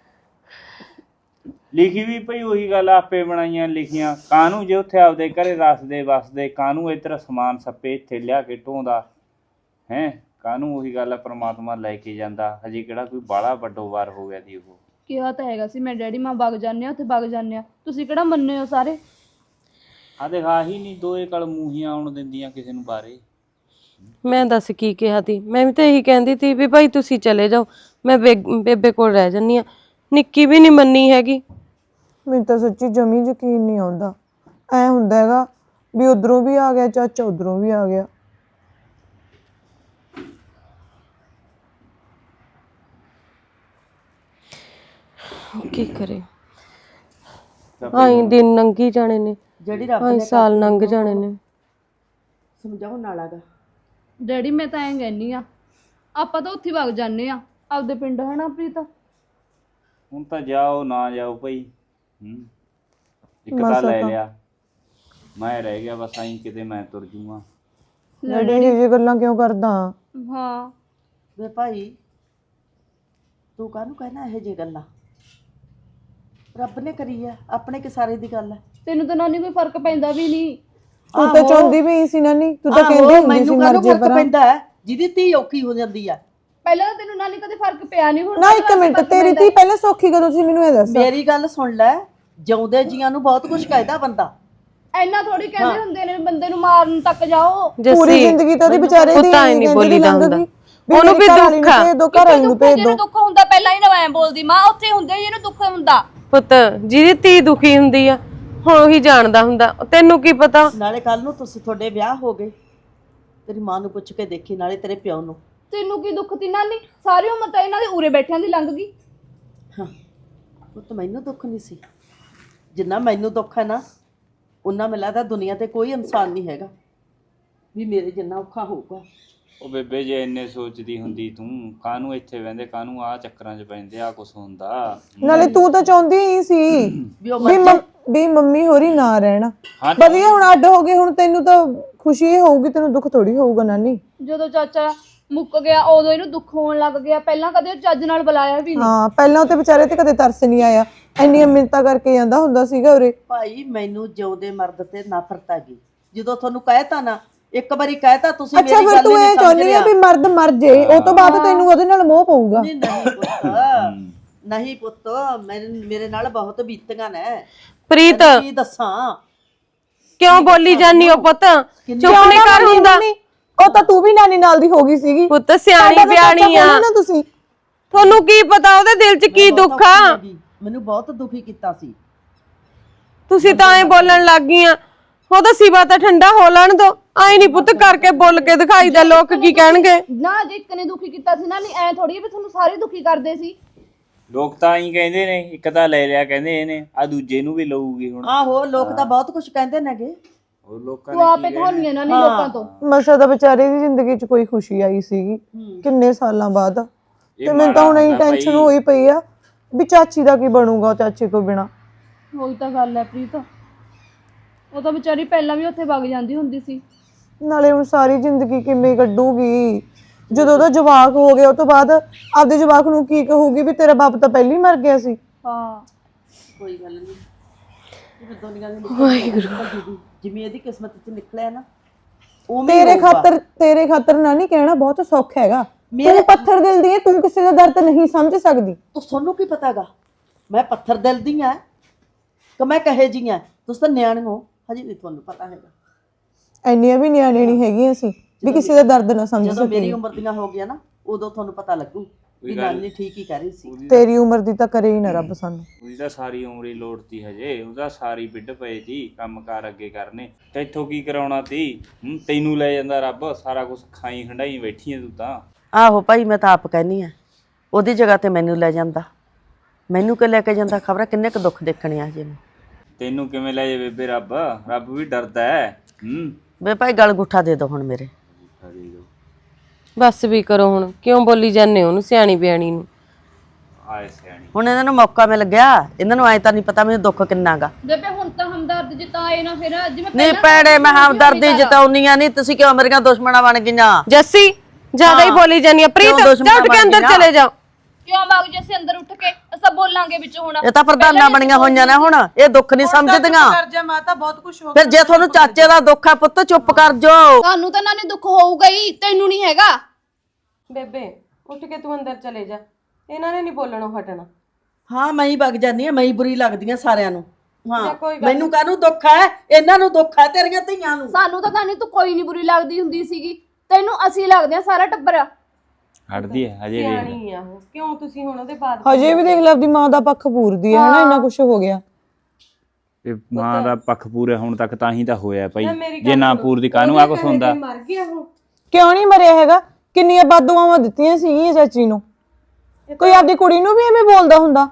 S1: ਲਿਖੀ ਵੀ ਭਈ ਉਹੀ ਗੱਲ ਆਪੇ ਬਣਾਈਆਂ ਲਿਖੀਆਂ। ਕਾਹਨੂੰ ਜੇ ਉੱਥੇ ਆਪਦੇ ਘਰੇ ਰਸਦੇ ਵਸਦੇ, ਕਾਹਨੂੰ ਇੱਧਰ ਸਮਾਨ ਸੱਪੇ ਇੱਥੇ ਲਿਆ ਕੇ ਢੋਂਦਾ ਹੈ। ਕਾਹਨੂੰ ਉਹੀ ਗੱਲ ਆ, ਪ੍ਰਮਾਤਮਾ ਲੈ ਕੇ ਜਾਂਦਾ। ਹਜੇ ਕਿਹੜਾ ਕੋਈ ਬਾਹਲਾ ਵੱਡੋ ਵਾਰ ਹੋ ਗਿਆ ਦੀ। ਉਹ
S7: ਕਿਹਾ ਤਾਂ ਹੈਗਾ ਸੀ ਮੈਂ ਡੈਡੀ ਮਾਂ ਵਗ ਜਾਂਦੇ ਆ, ਉੱਥੇ ਵਗ ਜਾਂਦੇ ਆ, ਤੁਸੀਂ ਕਿਹੜਾ ਮੰਨੇ ਹੋ ਸਾਰੇ।
S1: ਆ ਦੇਖ ਆਹੀ ਨਹੀਂ ਦੋਏ ਕਲ ਮੂੰਹੀਆਂ ਆਉਣ ਦਿੰਦੀਆਂ ਕਿਸੇ ਨੂੰ ਬਾਰੇ।
S5: ਮੈਂ ਦੱਸ ਕੀ ਕਿਹਾ ਤੀ, ਮੈਂ ਵੀ ਤਾਂ ਇਹੀ ਕਹਿੰਦੀ ਤੀ ਵੀ ਭਾਈ ਤੁਸੀਂ ਚਲੇ ਜਾਓ, ਮੈਂ ਬੇਬੇ ਕੋਲ ਰਹਿ ਜੰਨੀ ਆ। ਨਿੱਕੀ ਵੀ ਨਹੀਂ ਮੰਨੀ ਹੈਗੀ।
S6: ਮੈਨੂੰ ਤਾਂ ਸੱਚੀ ਜਮੀ ਯਕੀਨ ਨਹੀਂ ਆਉਂਦਾ। ਐ ਹੁੰਦਾ ਹੈਗਾ ਵੀ ਉਧਰੋਂ ਵੀ ਆ ਗਿਆ ਚਾਚਾ, ਉਧਰੋਂ ਵੀ ਆ ਗਿਆ।
S5: ਕੀ ਕਰੇ, ਆਈ ਦਿਨ ਲੰਘੀ ਜਾਣੇ ਨੇ,
S3: ਜਿਹੜੀ ਰੱਬ
S5: ਆਈ ਸਾਲ ਲੰਘ ਜਾਣੇ ਨੇ।
S3: ਸਮਝਾਉਣ ਨਾਲ ਆਗਾ
S7: ਡੈਡੀ ਮੈਂ ਤਾਂ ਐਂ ਕਹਿੰਨੀ ਆ, ਆਪਾਂ ਤਾਂ ਉੱਥੇ ਵਗ ਜਾਂਦੇ ਆ ਆਪਦੇ ਪਿੰਡ, ਹਨਾ ਪ੍ਰੀਤ।
S1: ਹੁਣ ਤਾਂ ਜਾਓ ਨਾ ਜਾਓ ਭਾਈ। ਹੂੰ ਇੱਕ ਤਾਂ ਲੈ ਲਿਆ, ਮੈਂ ਰਹਿ ਗਿਆ ਬਸ ਆਈ ਕਿਤੇ ਮੈਂ ਤੁਰ ਜੂਗਾ।
S6: ਡੈਡੀ ਇਹ ਜਿਹੀ ਗੱਲਾਂ ਕਿਉਂ ਕਰਦਾ?
S7: ਹਾਂ
S3: ਵੇ ਭਾਈ, ਤੂੰ ਕਾਹਨੂੰ ਕਹਿਣਾ ਇਹ ਜੇ ਗੱਲਾਂ? ਰੱਬ ਨੇ ਕਰੀ ਆ, ਆਪਣੇ ਕਿ ਸਾਰੇ ਦੀ ਗੱਲ ਹੈ।
S7: ਤੈਨੂੰ ਤਾਂ ਨਾਨੀ ਕੋਈ ਫਰਕ ਪੈਂਦਾ ਵੀ ਨਹੀਂ।
S6: ਤੂੰ ਤਾਂ ਚਾਹੁੰਦੀ ਵੀ ਸੀ ਨਾਨੀ, ਤੂੰ ਤਾਂ ਕਹਿੰਦੀ ਹੁੰਦੀ ਸੀ ਮਰ ਜੇ ਪਰ।
S3: ਪੈਂਦਾ ਹੈ ਜਿਹਦੀ ਧੀ ਔਖੀ ਹੋ ਜਾਂਦੀ ਆ।
S7: ਪਹਿਲਾਂ ਤਾਂ ਤੈਨੂੰ ਨਾਨੀ ਕਦੇ ਫਰਕ ਪਿਆ ਨਹੀਂ। ਹੁਣ
S6: ਨਾ ਇੱਕ ਮਿੰਟ, ਤੇਰੀ ਧੀ ਪਹਿਲਾਂ ਸੌਖੀ ਕਦੋਂ ਸੀ ਮੈਨੂੰ ਇਹ ਦੱਸ।
S3: ਮੇਰੀ ਗੱਲ ਸੁਣ ਲੈ, ਜਿਉਂਦੇ ਜੀਆਂ ਨੂੰ ਬਹੁਤ ਕੁਝ ਕਹਿਦਾ ਬੰਦਾ।
S7: ਐਨਾ ਥੋੜੀ ਕਹਿੰਦੇ ਹੁੰਦੇ ਨੇ ਬੰਦੇ ਨੂੰ ਮਾਰਨ ਤੱਕ ਜਾਓ।
S6: ਪੂਰੀ ਜ਼ਿੰਦਗੀ ਤਾਂ ਉਹਦੀ ਵਿਚਾਰੇ ਦੀ
S5: ਉਹ ਤਾਂ ਹੀ ਨਹੀਂ ਬੋਲੀ ਦਾ ਹੁੰਦਾ। ਉਹਨੂੰ
S6: ਮੇਰੀ
S5: ਵੀ
S6: ਘਰ ਵਾਲੀ
S5: ਦੁੱਖ
S6: ਨੂੰ
S5: ਆ।
S6: ਭੇਜ ਦੋ, ਘਰ ਵਾਲੀ ਨੂੰ ਭੇਜ ਦੋ।
S7: ਜਿਹਨੂੰ ਦੁੱਖ ਹੁੰਦਾ ਪਹਿਲਾਂ ਹੀ ਨਾ ਐਂ ਬੋਲਦੀ ਮਾਂ, ਉੱਥੇ ਹੁੰਦੇ ਜਿਹਨੂੰ ਦੁੱਖ ਹੁੰਦਾ।
S5: ਪੁੱਤ ਜਿਹਦੀ ਧੀ ਦੁਖੀ ਹੁੰਦੀ ਆ ਹੁਣ ਉਹੀ ਜਾਣਦਾ ਹੁੰਦਾ, ਤੈਨੂੰ ਕੀ ਪਤਾ।
S3: ਨਾਲੇ ਕੱਲ ਨੂੰ ਤੁਸੀਂ ਤੁਹਾਡੇ ਵਿਆਹ ਹੋ ਗਏ, ਤੇਰੀ ਮਾਂ ਨੂੰ ਪੁੱਛ ਕੇ ਦੇਖੀ, ਨਾਲੇ ਤੇਰੇ ਪਿਓ ਨੂੰ।
S7: ਤੈਨੂੰ ਕੀ ਦੁੱਖ ਤੀ ਨਾਨੀ? ਸਾਰੀ ਉਮਰ ਤਾਂ ਇਹਨਾਂ ਦੇ ਉਰੇ ਬੈਠਿਆਂ ਦੀ ਲੰਘ ਗਈ।
S3: ਹਾਂ ਉਹ ਤਾਂ ਮੈਨੂੰ ਦੁੱਖ ਨਹੀਂ ਸੀ, ਜਿੰਨਾ ਮੈਨੂੰ ਦੁੱਖ ਹੈ ਨਾ ਉਹਨਾਂ ਮੈਨੂੰ ਲੱਗਦਾ ਦੁਨੀਆ ਤੇ ਕੋਈ ਇਨਸਾਨ ਨਹੀਂ ਹੈਗਾ ਵੀ ਮੇਰੇ ਜਿੰਨਾ ਔਖਾ ਹੋਊਗਾ।
S1: ਉਹ ਬੇਬੇ ਜੇ ਇੰਨੇ ਸੋਚਦੀ ਹੁੰਦੀ ਤੂੰ, ਕਾਹਨੂੰ ਇੱਥੇ ਬਹਿੰਦੇ, ਕਾਹਨੂੰ ਆ ਚੱਕਰਾਂ 'ਚ ਪੈਂਦੇ, ਆ ਕੁਛ ਹੁੰਦਾ।
S6: ਨਾਲੇ ਤੂੰ ਤਾਂ ਚਾਹੁੰਦੀ ਹੀ ਸੀ
S3: ਵੀ ਉਹ
S6: ਵੀ ਮੰਮ- ਵੀ ਮੰਮੀ ਹੋਰੀ ਨਾ ਰਹਿਣ।
S1: ਹਾਂ
S6: ਵਧੀਆ ਹੁਣ ਅੱਡ ਹੋ ਗਏ, ਹੁਣ ਤੈਨੂੰ ਤਾਂ ਖੁਸ਼ੀ ਹੀ ਹੋਊਗੀ, ਤੈਨੂੰ ਦੁੱਖ ਥੋੜੀ ਹੋਊਗਾ ਨਾਨੀ।
S7: ਜਦੋਂ ਚਾਚਾ ਮੁੱਕ ਗਿਆ ਉਦੋਂ ਇਹਨੂੰ ਦੁੱਖ ਹੋਣ ਲੱਗ ਗਿਆ, ਪਹਿਲਾਂ ਕਦੇ ਉਹ ਚੱਜ ਨਾਲ ਬੁਲਾਇਆ ਵੀ ਨਹੀਂ।
S6: ਹਾਂ ਪਹਿਲਾਂ ਤੇ ਵਿਚਾਰੇ ਤੇ ਕਦੇ ਤਰਸ ਨਹੀਂ ਆਇਆ, ਇੰਨੀਆਂ ਮਿੰਨਤਾਂ ਕਰਕੇ ਜਾਂਦਾ ਹੁੰਦਾ ਸੀਗਾ ਉਰੇ।
S3: ਭਾਈ ਮੈਨੂੰ ਜਿਉਂਦੇ ਮਰਦ ਤੇ ਨਫ਼ਰਤ ਆ ਗਈ ਜਦੋਂ ਤੁਹਾਨੂੰ ਕਹਿਤਾ ਨਾ, ਇੱਕ ਵਾਰੀ ਕਹਿਤਾ ਤੁਸੀਂ
S6: ਅੱਛਾ
S3: ਮੇਰੀ
S6: ਫਿਰ
S3: ਗੱਲ
S6: ਤੂੰ
S3: ਨਹੀਂ
S6: ਇਹ
S3: ਸਮਝ
S6: ਚਾਹੁੰਦੀ ਆ
S3: ਰਿਹਾ।
S6: ਵੀ ਮਰਦ ਮਰ ਜੇ, ਉਹ ਤੋਂ ਬਾਅਦ ਤੈਨੂੰ ਉਹਦੇ ਨਾਲ ਮੋਹ ਪਊਗਾ।
S3: ਨਹੀਂ ਨਹੀਂ ਪੁੱਤ, ਨਹੀਂ ਪੁੱਤ, ਮੇਰੇ ਮੇਰੇ ਨਾਲ ਬਹੁਤ ਬੀਤੀਆਂ ਨੇ।
S5: ਪ੍ਰੀਤ
S3: ਤੈਨੂੰ ਕੀ ਦੱਸਾਂ,
S5: ਕਿਉਂ ਬੋਲੀ ਜਾਨੀ ਹੋ ਪੁੱਤ, ਚੁੱਪ ਨਹੀਂ ਕਰ ਹੁੰਦਾ।
S6: ਉਹ ਤਾਂ ਤੂੰ ਵੀ ਨਾਨੀ ਨਾਲ ਦੀ ਹੋ ਗਈ ਸੀਗੀ।
S5: ਪੁੱਤ ਸਿਆਣੀ ਬਿਆਣੀ ਆ,
S6: ਨਾ ਤੁਸੀਂ
S5: ਤੁਹਾਨੂੰ ਕੀ ਪਤਾ ਉਹਦੇ ਦਿਲ 'ਚ ਕੀ ਦੁੱਖ ਆ।
S3: ਮੈਨੂੰ ਬਹੁਤ ਦੁਖੀ ਕੀਤਾ ਸੀ।
S5: ਤੁਸੀਂ ਤਾਂ ਐ ਬੋਲਣ ਲੱਗ ਗਈਆਂ, ਉਹਦਾ ਸਿਵਾ ਤਾਂ ਠੰਡਾ ਹੋ ਲੈਣ ਦੋ। ਆਈ ਨਹੀਂ ਪੁੱਤ ਕਰਕੇ ਬੋਲ ਕੇ ਦਿਖਾਈਦਾ, ਲੋਕ ਕੀ ਕਹਿਣਗੇ।
S7: ਨਾ ਜੇ ਇੱਕ ਨੇ ਦੁਖੀ ਕੀਤਾ ਸੀ ਨਾ, ਨਹੀਂ ਐ ਥੋੜੀ ਵੀ ਤੁਹਾਨੂੰ ਸਾਰੇ ਦੁਖੀ ਕਰਦੇ ਸੀ।
S1: ਲੋਕ ਤਾਂ ਹੀ ਕਹਿੰਦੇ ਨੇ, ਇੱਕ ਤਾਂ ਲੈ ਲਿਆ ਕਹਿੰਦੇ ਇਹਨੇ, ਆ ਦੂਜੇ ਨੂੰ ਵੀ ਲਊਗੀ ਹੁਣ।
S3: ਆਹੋ ਲੋਕ ਤਾਂ ਬਹੁਤ ਕੁਝ ਕਹਿੰਦੇ ਨੇਗੇ।
S1: ਹੋਰ ਲੋਕਾਂ
S7: ਤੂੰ
S1: ਨੇ
S7: ਆਪੇ ਕਹਾਉਣੀ ਇਹਨਾਂ ਨੇ ਲੋਕਾਂ ਤੋਂ।
S6: ਮਸਾ ਦਾ ਵਿਚਾਰੇ ਦੀ ਜ਼ਿੰਦਗੀ 'ਚ ਕੋਈ ਖੁਸ਼ੀ ਆਈ ਸੀਗੀ ਕਿੰਨੇ ਸਾਲਾਂ ਬਾਅਦ,
S1: ਇਹ
S6: ਤੇ ਮੈਨੂੰ ਤਾਂ ਹੁਣ
S1: ਮਾੜਾ
S6: ਇਹ
S1: ਹੁੰਦਾ
S6: ਟੈਨਸ਼ਨ
S1: ਭਾਈ।
S6: ਹੋਈ ਪਈ ਆ ਵੀ ਚਾਚੀ ਦਾ ਕੀ ਬਣੂਗਾ ਚਾਚੀ ਤੋਂ ਬਿਨਾ।
S7: ਉਹੀ ਤਾਂ ਗੱਲ ਹੈ ਪ੍ਰੀਤ, ਉਹ ਤਾਂ ਵਿਚਾਰੀ ਪਹਿਲਾਂ ਵੀ ਉੱਥੇ ਵਗ ਜਾਂਦੀ ਹੁੰਦੀ ਸੀ।
S6: ਨਾਲੇ ਹੁਣ ਸਾਰੀ ਜ਼ਿੰਦਗੀ ਕਿਵੇਂ ਕੱਢੂਗੀ, ਜਦੋਂ ਉਹਦਾ ਜਵਾਕ ਹੋ ਗਿਆ ਉਹ ਤੋਂ ਬਾਅਦ ਆਪਦੇ ਜਵਾਕ ਨੂੰ ਕੀ ਕਹੂਗੀ ਵੀ ਤੇਰਾ ਬਾਪ ਤਾਂ ਪਹਿਲਾਂ ਹੀ ਮਰ ਗਿਆ ਸੀ।
S7: ਹਾਂ
S3: ਕੋਈ ਗੱਲ ਨਹੀਂ, ਜਿਵੇਂ ਦੁਨੀਆ ਦੀ ਵਾਹਿਗੁਰੂ ਜਿਵੇਂ ਇਹਦੀ ਕਿਸਮਤ 'ਚ ਨਿਕਲਿਆ ਨਾ ਉਵੇਂ
S6: ਤੇਰੇ ਖਾਤਰ ਤੇਰੇ ਖਾਤਰ ਨਾ ਨਹੀਂ ਕਹਿਣਾ ਬਹੁਤ ਸੌਖਾ ਹੈਗਾ।
S3: ਮੇਰੇ-
S6: ਤੂੰ ਪੱਥਰ ਦਿਲ ਦੀ ਹੈ, ਤੂੰ ਕਿਸੇ ਦਾ ਦਰਦ ਨਹੀਂ ਸਮਝ ਸਕਦੀ।
S3: ਤੂੰ ਤੁਹਾਨੂੰ ਕੀ ਪਤਾਗਾ ਮੈਂ ਪੱਥਰ ਦਿਲ ਦੀ ਆ ਕਿ ਮੈਂ ਕਹੇ ਜੀ ਆ? ਤੁਸੀਂ ਤਾਂ ਨਿਆਣੇ ਹੋ, ਹਜੇ ਨਹੀਂ ਤੁਹਾਨੂੰ ਪਤਾ ਹੈਗਾ।
S6: ਇੰਨੀਆਂ ਵੀ ਨਿਆਣੇ ਨਹੀਂ ਹੈਗੀਆਂ ਸੀ ਵੀ ਕਿਸੇ ਦਾ ਦਰਦ ਨਾ ਸਮਝ
S3: ਜਦੋਂ ਮੇਰੀ
S6: ਸਕੀ।
S3: ਉਮਰ ਦੀਆਂ ਹੋ ਗਿਆ ਨਾ ਉਦੋਂ ਤੁਹਾਨੂੰ ਪਤਾ ਲੱਗੂ ਵੀ ਨਾਨੀ ਠੀਕ ਹੀ ਕਰ ਰਹੀ ਸੀ।
S6: ਤੇਰੀ ਉਮਰ ਦੀ ਤਾਂ ਕਰੇ ਹੀ ਨਾ ਰੱਬ ਸਾਨੂੰ।
S1: ਉਹਦੀ ਤਾਂ ਸਾਰੀ ਉਮਰ ਹੀ ਲੋੜਤੀ ਹਜੇ, ਉਹਦਾ ਸਾਰੀ ਵਿੱਢ ਪਏ ਸੀ ਕੰਮ ਕਾਰ ਅੱਗੇ ਕਰਨੇ, ਤੇ ਇੱਥੋਂ ਕੀ ਕਰਾਉਣਾ ਤੀ? ਹੂੰ, ਤੈਨੂੰ ਲੈ ਜਾਂਦਾ ਰੱਬ, ਸਾਰਾ ਕੁਝ ਖਾਈ ਹੰਡਾਈ ਬੈਠੀ ਐ ਤੂੰ ਤਾਂ।
S3: ਆਹੋ ਭਾਈ ਮੈਂ ਤਾਂ ਆਪ ਕਹਿੰਦੀ ਆ ਉਹਦੀ ਜਗ੍ਹਾ ਤੇ ਮੈਨੂੰ ਲੈ ਜਾਂਦਾ, ਮੈਨੂੰ ਕਿ ਲੈ ਕੇ ਜਾਂਦਾ, ਖਬਰ ਕਿੰਨੇ ਕੁ ਦੁੱਖ ਦੇਖਣੇ ਆ ਜੇ।
S1: ਤੈਨੂੰ ਕਿਵੇਂ ਲੈ ਜਾਵੇ ਬੇਬੇ ਰੱਬ? ਰੱਬ ਵੀ ਡਰਦਾ ਹੈ। ਹੂੰ
S3: ਵੇ ਭਾਈ ਗਲ ਗੁੱਠਾ ਦੇ ਦੋ ਹੁਣ ਮੇਰੇ।
S5: ਬਸ ਵੀ ਕਰੋ ਹੁਣ, ਕਿਉਂ ਬੋਲੀ ਜਾਂਦੇ ਹੋ ਉਹਨੂੰ ਸਿਆਣੀ ਬਿਆਣੀ ਨੂੰ।
S1: ਆਏ ਸਿਆਣੀ,
S3: ਹੁਣ ਇਹਨਾਂ ਨੂੰ ਮੌਕਾ ਮਿਲ ਗਿਆ, ਇਹਨਾਂ ਨੂੰ ਐ ਤਾਂ ਨਹੀਂ ਪਤਾ ਮੈਨੂੰ ਦੁੱਖ ਕਿੰਨਾਗਾ।
S7: ਬੇਬੇ ਹੁਣ ਤਾਂ ਹਮਦਰਦ ਜਿਤਾਏ ਨਾ ਫਿਰ, ਜਿਵੇਂ
S3: ਨਹੀਂ
S7: ਪਹਿਲਾਂ
S3: ਭੈਣੇ ਮੈਂ
S7: ਤਾਂ
S3: ਹਮਦਰਦੀ ਜਤਾਉਣੀਆਂ ਨਹੀਂ, ਤੁਸੀਂ ਕਿਉਂ ਮੇਰੀਆਂ ਦੁਸ਼ਮਣਾਂ ਬਣ ਗਈਆਂ?
S5: ਜੱਸੀ ਜ਼ਿਆਦਾ ਹੀ ਬੋਲੀ ਜਾਨੀ ਆ। ਪ੍ਰੀਤ
S3: ਕਿਉਂ ਦੁਸ਼ਮਣ
S5: ਜਾ ਉੱਠ ਕੇ ਅੰਦਰ
S3: ਬਣ ਗਈਆਂ?
S5: ਚਲੇ ਜਾਓ।
S7: ਕਿਉਂ ਬਾਗ ਜੇ ਅਸੀਂ ਅੰਦਰ ਉੱਠ ਕੇ ਅਸਾਂ ਬੋਲਾਂਗੇ ਵਿੱਚ ਹੁਣ?
S3: ਇਹ ਤਾਂ ਪ੍ਰਧਾਨਾਂ ਬਣੀਆਂ ਹੋਈਆਂ ਨੇ ਹੁਣ, ਇਹ ਦੁੱਖ ਨਹੀਂ ਸਮਝਦੀਆਂ।
S5: ਕਰ ਜਾ ਮਾਤਾ, ਬਹੁਤ ਕੁਝ ਹੋ
S3: ਫਿਰ ਜੇ ਤੁਹਾਨੂੰ ਚਾਚੇ ਦਾ ਦੁੱਖ ਹੈ ਪੁੱਤ ਚੁੱਪ ਕਰ ਜਾਓ।
S7: ਤੁਹਾਨੂੰ ਤਾਂ ਨਾਨੀ ਦੁੱਖ ਹੋਊਗਾ ਹੀ, ਤੈਨੂੰ ਨਹੀਂ ਹੈਗਾ।
S5: ਬੇਬੇ ਉੱਠ ਕੇ ਤੂੰ ਅੰਦਰ ਚਲੇ ਜਾ, ਇਹਨਾਂ ਨੇ ਨਹੀਂ ਬੋਲਣੋਂ ਹਟਣਾ।
S3: ਹਾਂ ਮੈਂ ਹੀ ਵਗ ਜਾਂਦੀ ਆ, ਮੈਂ ਹੀ ਬੁਰੀ ਲੱਗਦੀ ਆ ਸਾਰਿਆਂ ਨੂੰ। ਹਾਂ
S5: ਕੋਈ ਗੱਲ
S3: ਮੈਨੂੰ ਕਾਹਨੂੰ ਦੁੱਖ ਹੈ, ਇਹਨਾਂ ਨੂੰ ਦੁੱਖ ਹੈ ਤੇਰੀਆਂ ਧੀਆਂ ਨੂੰ।
S7: ਸਾਨੂੰ ਤਾਂ ਨਾਨੀ ਤੂੰ ਕੋਈ ਨਹੀਂ ਬੁਰੀ ਲੱਗਦੀ ਹੁੰਦੀ ਸੀਗੀ, ਤੈਨੂੰ ਅਸੀਂ ਲੱਗਦੇ ਆ ਸਾਰਾ ਟੱਬਰ।
S1: ਹਟਦੀ ਹੈ ਹਜੇ ਵੀ।
S5: ਸਿਆਣੀ ਆ ਉਹ, ਕਿਉਂ ਤੁਸੀਂ ਹੁਣ ਉਹਦੇ ਬਾਅਦ
S6: ਹਜੇ ਵੀ ਦੇਖ ਲੈ ਆਪਦੀ ਮਾਂ ਦਾ ਪੱਖ ਪੂਰਦੀ ਹੈ ਹਨਾ, ਇੰਨਾ ਕੁਝ ਹੋ ਗਿਆ।
S1: ਇਹ ਮਾਂ ਦਾ ਪੱਖ ਪੂਰੇ ਹੁਣ ਤੱਕ ਤਾਂ ਹੀ ਤਾਂ ਹੋਇਆ ਭਾਈ, ਜੇ ਨਾ ਪੂਰਦੀ ਕਾਹਨੂੰ ਆ ਕੁਛ ਹੁੰਦਾ?
S5: ਮਰ ਗਿਆ ਉਹ।
S6: ਕਿਉਂ ਨਹੀਂ ਮਰਿਆ ਹੈਗਾ? ਕਿੰਨੀਆਂ ਬਦਦੁਆਵਾਂ ਦਿੱਤੀਆਂ ਸੀਗੀਆਂ ਚਾਚੀ ਨੂੰ। ਕੋਈ ਆਪਦੀ ਕੁੜੀ ਨੂੰ ਵੀ ਐਵੇਂ ਬੋਲਦਾ ਹੁੰਦਾ?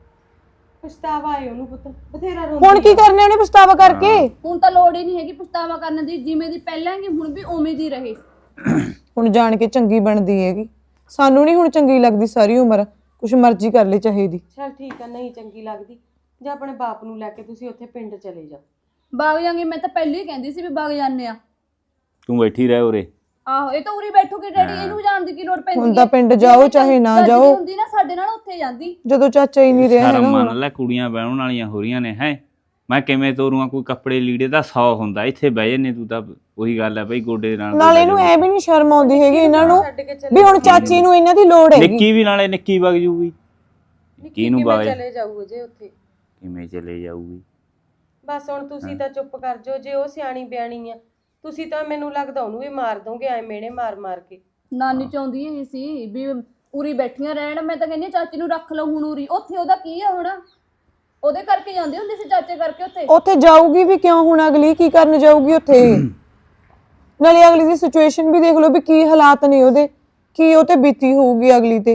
S5: ਪਛਤਾਵਾ ਆਏ ਉਹਨੂੰ ਪੁੱਤ, ਬਥੇਰਾ ਰੋਂਦੀ।
S6: ਹੁਣ ਕੀ ਕਰਨੇ ਉਹਨੇ ਪਛਤਾਵਾ ਕਰਕੇ?
S7: ਹੁਣ ਤਾਂ ਲੋੜ ਹੀ ਨਹੀਂ ਹੈਗੀ ਪਛਤਾਵਾ ਕਰਨ ਦੀ, ਜਿਵੇਂ ਦੀ ਪਹਿਲਾਂ ਹੈਗੀ ਹੁਣ ਵੀ ਉਵੇਂ ਦੀ ਰਹੇ।
S6: ਹੁਣ ਜਾਣ ਕੇ ਚੰਗੀ ਬਣਦੀ ਹੈਗੀ, ਸਾਨੂੰ ਨਹੀਂ ਹੁਣ ਚੰਗੀ ਲੱਗਦੀ ਸਾਰੀ ਉਮਰ, ਕੁਛ ਮਰਜ਼ੀ ਕਰ ਲੈ ਚਾਹੀਦੀ।
S5: ਚਲ ਠੀਕ ਆ, ਨਹੀਂ ਚੰਗੀ ਲੱਗਦੀ ਜਾਂ ਆਪਣੇ ਬਾਪ ਨੂੰ ਲੈ ਕੇ ਤੁਸੀਂ ਉੱਥੇ ਪਿੰਡ ਚਲੇ ਜਾਓ।
S7: ਬਾਗ ਜਾਂਗੇ, ਮੈਂ ਤਾਂ ਪਹਿਲਾਂ ਹੀ ਕਹਿੰਦੀ ਸੀ ਵੀ ਬਾਗ ਜਾਂਦੇ ਆ।
S1: ਤੂੰ ਬੈਠੀ ਰਹਿ ਉਰੇ।
S7: ਆਹੋ ਇਹ ਤਾਂ ਉਰੀ ਬੈਠੋਗੇ ਡੈਡੀ, ਇਹਨੂੰ ਜਾਣ ਦੀ ਕੀ ਲੋੜ ਪੈਂਦੀ ਹੈ?
S6: ਹੁਣ ਤਾਂ ਪਿੰਡ ਜਾਓ ਚਾਹੇ ਨਾ
S7: ਚੱਜ ਦੀ
S6: ਜਾਓ,
S7: ਹੁੰਦੀ ਨਾ ਸਾਡੇ ਨਾਲ ਉੱਥੇ ਜਾਂਦੀ।
S6: ਜਦੋਂ ਚਾਚਾ ਹੀ ਨਹੀਂ ਰਿਹਾ
S1: ਸ਼ਰਮ
S6: ਹੈਗਾ
S1: ਮੰਨ
S6: ਹੁਣ।
S1: ਲੈ, ਕੁੜੀਆਂ ਬਹਿਣ ਵਾਲੀਆਂ ਹੋ ਰਹੀਆਂ ਨੇ ਹੈ, ਮੈਂ ਕਿਵੇਂ ਤੋਰੂਆਂ? ਕੋਈ ਕੱਪੜੇ ਲੀੜੇ ਦਾ ਸੌ ਹੁੰਦਾ, ਇੱਥੇ ਬਹਿ ਜੰਨੇ ਤੂੰ ਤਾਂ ਉਹੀ ਗੱਲ ਹੈ ਬਈ, ਗੋਡੇ ਨਾਲ
S6: ਨਾਲੇ ਇਹਨੂੰ ਐ ਵੀ ਨਹੀਂ ਸ਼ਰਮ ਆਉਂਦੀ ਹੈਗੀ ਇਹਨਾਂ ਨੂੰ ਵੀ ਹੁਣ ਚਾਚੀ ਨੂੰ ਇਹਨਾਂ ਦੀ ਲੋੜ ਹੈਗੀ।
S1: ਨਿੱਕੀ ਵੀ ਨਾਲੇ ਨਿੱਕੀ ਵਗ ਜੂਗੀ, ਨਿੱਕੀ ਨੂੰ ਵਗ
S5: ਚਲੇ ਜਾਊ ਜੇ ਉੱਥੇ
S1: ਕਿਵੇਂ ਚਲੇ ਜਾਊਗੀ?
S5: ਬਸ ਹੁਣ ਤੁਸੀਂ ਤਾਂ ਚੁੱਪ ਕਰ ਜਾਓ, ਜੇ ਉਹ ਸਿਆਣੀ ਬਿਆਣੀ ਆ ਤੁਸੀਂ ਤਾਂ ਮੈਨੂੰ ਲੱਗਦਾ ਉਹਨੂੰ ਵੀ ਮਾਰ ਦੋਗੇ ਐ ਮੇਣੇ ਮਾਰ ਮਾਰ ਕੇ।
S7: ਨਾਨੀ ਚਾਹੁੰਦੀ ਇਹ ਸੀ ਵੀ ਉਰੀ ਬੈਠੀਆਂ ਰਹਿਣ। ਮੈਂ ਤਾਂ ਕਹਿੰਦੀ ਹਾਂ ਚਾਚੀ ਨੂੰ ਰੱਖ ਲਓ ਹੁਣ ਉਰੀ। ਉੱਥੇ ਉਹਦਾ ਕੀ ਆ ਹੁਣ? ਉਹਦੇ ਕਰਕੇ ਜਾਂਦੇ ਹੁੰਦੇ ਸੀ ਚਾਚੇ ਕਰਕੇ ਉੱਥੇ।
S6: ਉੱਥੇ ਜਾਊਗੀ ਵੀ ਕਿਉਂ ਹੁਣ? ਅਗਲੀ ਕੀ ਕਰਨ ਜਾਊਗੀ ਉੱਥੇ? ਨਾਲੇ ਅਗਲੀ ਦੀ ਸਿਚੁਏਸ਼ਨ ਵੀ ਦੇਖ ਲਓ ਵੀ ਕੀ ਹਾਲਾਤ ਨੇ ਉਹਦੇ, ਕੀ ਉਹ ਤੇ ਬੀਤੀ ਹੋਊਗੀ ਅਗਲੀ ਤੇ।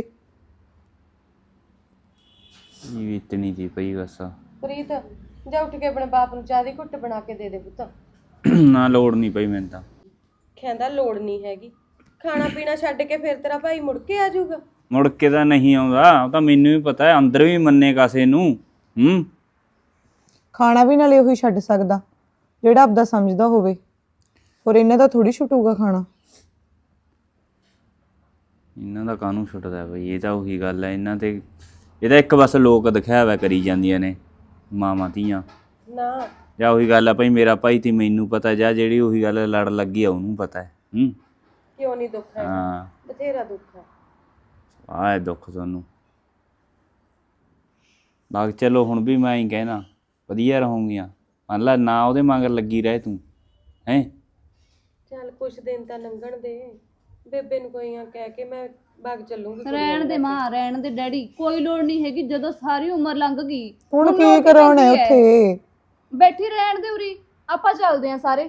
S1: ਇਹ ਇਤਨੀ ਦੀ ਪਈ ਬਸ।
S5: ਪ੍ਰੀਤ ਜਾ ਉੱਠ ਕੇ ਆਪਣੇ ਬਾਪ ਨੂੰ ਚਾਹ ਦੀ ਘੁੱਟ ਬਣਾ ਕੇ ਦੇ ਦੇ ਪੁੱਤ।
S1: ਨਾ ਲੋੜ ਨਹੀਂ ਪਈ ਮੈਨੂੰ ਤਾਂ।
S5: ਕਹਿੰਦਾ ਲੋੜ ਨਹੀਂ ਹੈਗੀ। ਖਾਣਾ ਪੀਣਾ ਛੱਡ ਕੇ ਫਿਰ ਤੇਰਾ ਭਾਈ ਮੁੜ ਕੇ ਆ ਜਾਊਗਾ।
S1: ਮੁੜ ਕੇ ਤਾਂ ਨਹੀਂ ਆਉਂਦਾ, ਉਹ ਤਾਂ ਮੈਨੂੰ ਵੀ ਪਤਾ ਹੈ। ਅੰਦਰ ਵੀ ਮੰਨੇ ਕਾਸੇ ਨੂੰ। ਹੂੰ
S6: ਖਾਣਾ ਵੀ ਨਾਲੇ ਉਹੀ ਛੱਡ ਸਕਦਾ ਜਿਹੜਾ ਆਪਦਾ ਸਮਝਦਾ ਹੋਵੇ, ਔਰ ਇਹਨਾਂ ਦਾ ਥੋੜੀ ਛੁੱਟੂਗਾ ਖਾਣਾ।
S1: ਇਹਨਾਂ ਦਾ ਕਾਹਨੂੰ ਛੁੱਟਦਾ ਬਈ? ਇਹ ਤਾਂ ਉਹੀ ਗੱਲ ਹੈ ਇਹਨਾਂ ਤੇ। ਇਹ ਤਾਂ ਇੱਕ ਬਸ ਲੋਕ ਦਿਖਾਵਾ ਕਰੀ ਜਾਂਦੀਆਂ ਨੇ ਮਾਵਾਂ ਧੀਆਂ।
S5: ਨਾ
S1: ਜਾਂ ਉਹੀ ਗੱਲ ਆ ਭਾਈ ਮੇਰਾ ਭਾਈ ਤੇ ਮੈਨੂੰ ਪਤਾ, ਜਾਂ ਜਿਹੜੀ ਉਹੀ ਗੱਲ ਲੜ ਲੱਗੀ ਆ ਉਹਨੂੰ ਪਤਾ ਹੈ। ਹੂੰ
S5: ਕਿਉਂ ਨਹੀਂ ਦੁੱਖ ਹੈ?
S1: ਹਾਂ
S5: ਬਥੇਰਾ ਦੁੱਖ ਹੈ।
S1: ਆਹ ਦੁੱਖ ਤੁਹਾਨੂੰ ਬਾਗ। ਚਲੋ ਹੁਣ ਵੀ ਮੈਂ ਹੀ ਕਹਿਣਾ ਵਧੀਆ ਰਹੂੰਗੀਆਂ। ਮੰਨ ਲਾ ਨਾ ਉਹਦੇ ਮਗਰ ਲੱਗੀ ਰਹੇ ਤੂੰ ਹੈਂ।
S5: ਚੱਲ ਕੁਛ ਦਿਨ ਤਾਂ ਲੰਘਣ ਦੇ। ਬੇਬੇ ਨੂੰ ਕੋਈ ਆ ਕਹਿ ਕੇ ਮੈਂ ਬਾਗ ਚੱਲੂੰਗੀ।
S7: ਰਹਿਣ ਦੇ ਮਾਂ, ਰਹਿਣ ਦੇ ਡੈਡੀ, ਕੋਈ ਲੋੜ ਨਹੀਂ ਹੈਗੀ। ਜਦੋਂ ਸਾਰੀ ਉਮਰ ਲੰਘ ਗਈ
S6: ਹੁਣ ਕੀ ਕਰਾਉਣਾ ਹੈ ਉੱਥੇ?
S7: ਬੈਠੀ ਰਹਿਣ ਦੇ ਉਰੀ। ਆਪਾਂ ਚੱਲਦੇ ਆਂ ਸਾਰੇ।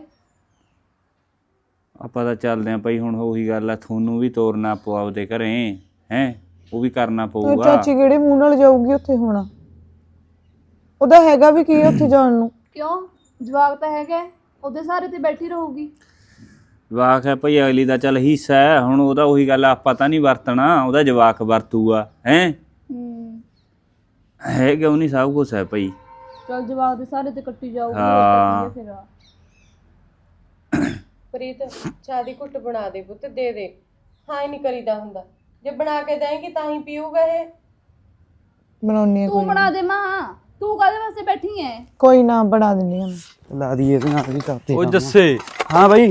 S1: ਆਪਾਂ ਤਾਂ ਚੱਲਦੇ ਆਂ ਭਾਈ। ਹੁਣ ਉਹੀ ਗੱਲ ਆ, ਤੁਹਾਨੂੰ ਵੀ ਤੋਰਨਾ ਪਊ ਆਪਦੇ ਘਰੇ ਹੈਂ। ਉਹ ਵੀ ਕਰਨਾ ਪਊਗਾ।
S6: ਚਾਚੀ ਕਿਹੜੇ ਮੂੰਹ ਨਾਲ ਜਾਊਗੀ ਉੱਥੇ ਹੁਣ? ਉਹਦਾ ਹੈਗਾ ਵੀ ਕੀ ਉੱਥੇ ਜਾਣ ਨੂੰ?
S7: ਕਿਉਂ? ਜਵਾਕ ਤਾਂ ਹੈਗਾ, ਉਹਦੇ ਸਾਰੇ ਤੇ ਬੈਠੀ ਰਹੂਗੀ।
S1: ਜਵਾਕ ਹੈ ਭਾਈ ਅਗਲੀ ਦਾ, ਚੱਲ ਹਿੱਸਾ ਹੈ। ਹੁਣ ਉਹਦਾ ਉਹੀ ਗੱਲ ਆਪਾਂ ਤਾਂ ਨਹੀਂ ਵਰਤਣਾ, ਉਹਦਾ ਜਵਾਕ ਵਰਤੂਗਾ ਹੈਂ।
S7: ਹੂੰ
S1: ਹੈ ਕਿਉਂ ਨਹੀਂ? ਸਭ ਕੁਛ ਹੈ ਭਾਈ।
S7: ਚਲ ਜਵਾਕ ਦੇ ਸਾਰੇ ਤੇ ਕੱਟੀ ਜਾਊਗੀ।
S1: ਹਾਂ।
S7: ਫਿਰ
S5: ਪ੍ਰੀਤ ਚਾਹ ਦੀ ਘੁੱਟ ਬਣਾ ਦੇ ਪੁੱਤ, ਦੇ ਦੇ। ਹਾਂ ਹੀ ਨਹੀਂ ਕਰੀਦਾ ਹੁੰਦਾ। ਜੇ ਬਣਾ ਕੇ ਦੇਂਗੀ ਤਾਂ ਹੀ ਪੀਊਗਾ ਇਹ।
S6: ਬਣਾਉਣੀ ਆ
S7: ਤੂੰ
S6: ਕੋਈ
S7: ਬਣਾ ਦੇ ਮਾਂ। ਤੂੰ ਕਾਹਦੇ ਵਾਸਤੇ ਬੈਠੀ ਐ?
S6: ਕੋਈ ਨਾ ਬਣਾ ਦਿੰਦੀ ਆ ਮੈਂ।
S2: ਲਾ ਦਈਏ ਇਹਦੇ ਨਾਲ ਵੀ ਕਰਤੇ।
S8: ਉਹ ਜੱਸੇ
S2: ਹਾਂ ਬਾਈ।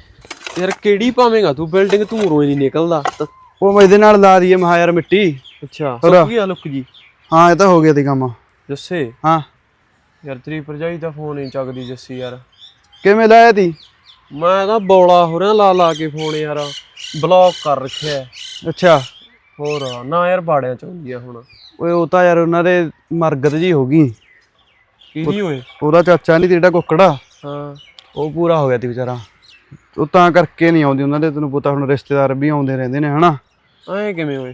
S8: ਯਾਰ ਕਿਹੜੀ ਪਾਵੇਂਗਾ ਤੂੰ? ਬਿਲਡਿੰਗ ਤੂੰ ਰੋਈ ਨਹੀਂ ਨਿਕਲਦਾ।
S2: ਉਹ ਇਹਦੇ ਨਾਲ ਲਾ ਦਈਏ ਮਹਾ ਯਾਰ ਮਿੱਟੀ।
S8: ਅੱਛਾ
S2: ਹੋਰ?
S8: ਸੁੱਕ ਗਿਆ ਲੁੱਕ ਜੀ।
S2: ਹਾਂ ਇਹ ਤਾਂ ਹੋ ਗਿਆ ਤੇ ਕੰਮ।
S8: ਜੱਸੇ
S2: ਹਾਂ
S8: ਯਾਰ ਤੇਰੀ ਭਰਜਾਈ ਦਾ ਫੋਨ ਨਹੀਂ ਚੱਕਦੀ ਜੱਸੀ ਯਾਰ।
S2: ਕਿਵੇਂ ਲਾਇਆ ਤੀ?
S8: ਮੈਂ ਤਾਂ ਬੌਲਾ ਹੋ ਰਿਹਾ ਲਾ ਲਾ ਕੇ ਫੋਨ ਯਾਰ। ਬਲੌਕ ਕਰ ਰੱਖਿਆ।
S2: ਅੱਛਾ।
S8: ਹੋਰ ਨਾ ਯਾਰ ਬਾੜਿਆਂ ਚ ਹੁੰਦੀ ਆ ਹੁਣ।
S2: ਓਏ ਉਹ ਤਾਂ ਯਾਰ ਉਹਨਾਂ ਦੇ ਮਰਗਤ ਜੀ ਹੋ ਗਈ।
S8: ਕੀ ਨਹੀਂ ਹੋਏ?
S2: ਉਹਦਾ ਚਾਚਾ ਨਹੀਂ ਜਿਹੜਾ ਕੁੱਕੜਾ,
S8: ਹਾਂ
S2: ਉਹ ਪੂਰਾ ਹੋ ਗਿਆ ਤੀ ਵਿਚਾਰਾ। ਉਹ ਤਾਂ ਕਰਕੇ ਨਹੀਂ ਆਉਂਦੀ ਉਹਨਾਂ ਦੇ। ਤੈਨੂੰ ਪਤਾ ਹੁਣ ਰਿਸ਼ਤੇਦਾਰ ਵੀ ਆਉਂਦੇ ਰਹਿੰਦੇ ਨੇ ਹਨਾ।
S8: ਐਂ ਕਿਵੇਂ ਹੋਏ?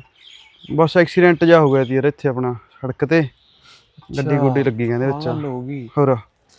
S2: ਬਸ ਐਕਸੀਡੈਂਟ ਜਾ ਹੋ ਗਿਆ ਤੀ ਯਾਰ ਇੱਥੇ ਆਪਣਾ ਸੜਕ ਤੇ। ਗੱਡੀ ਗੁੱਡੀ ਲੱਗੀ ਕਹਿੰਦੇ ਵਿੱਚ।
S8: ਗੱਲ ਹੋ ਗਈ।
S2: ਹੋਰ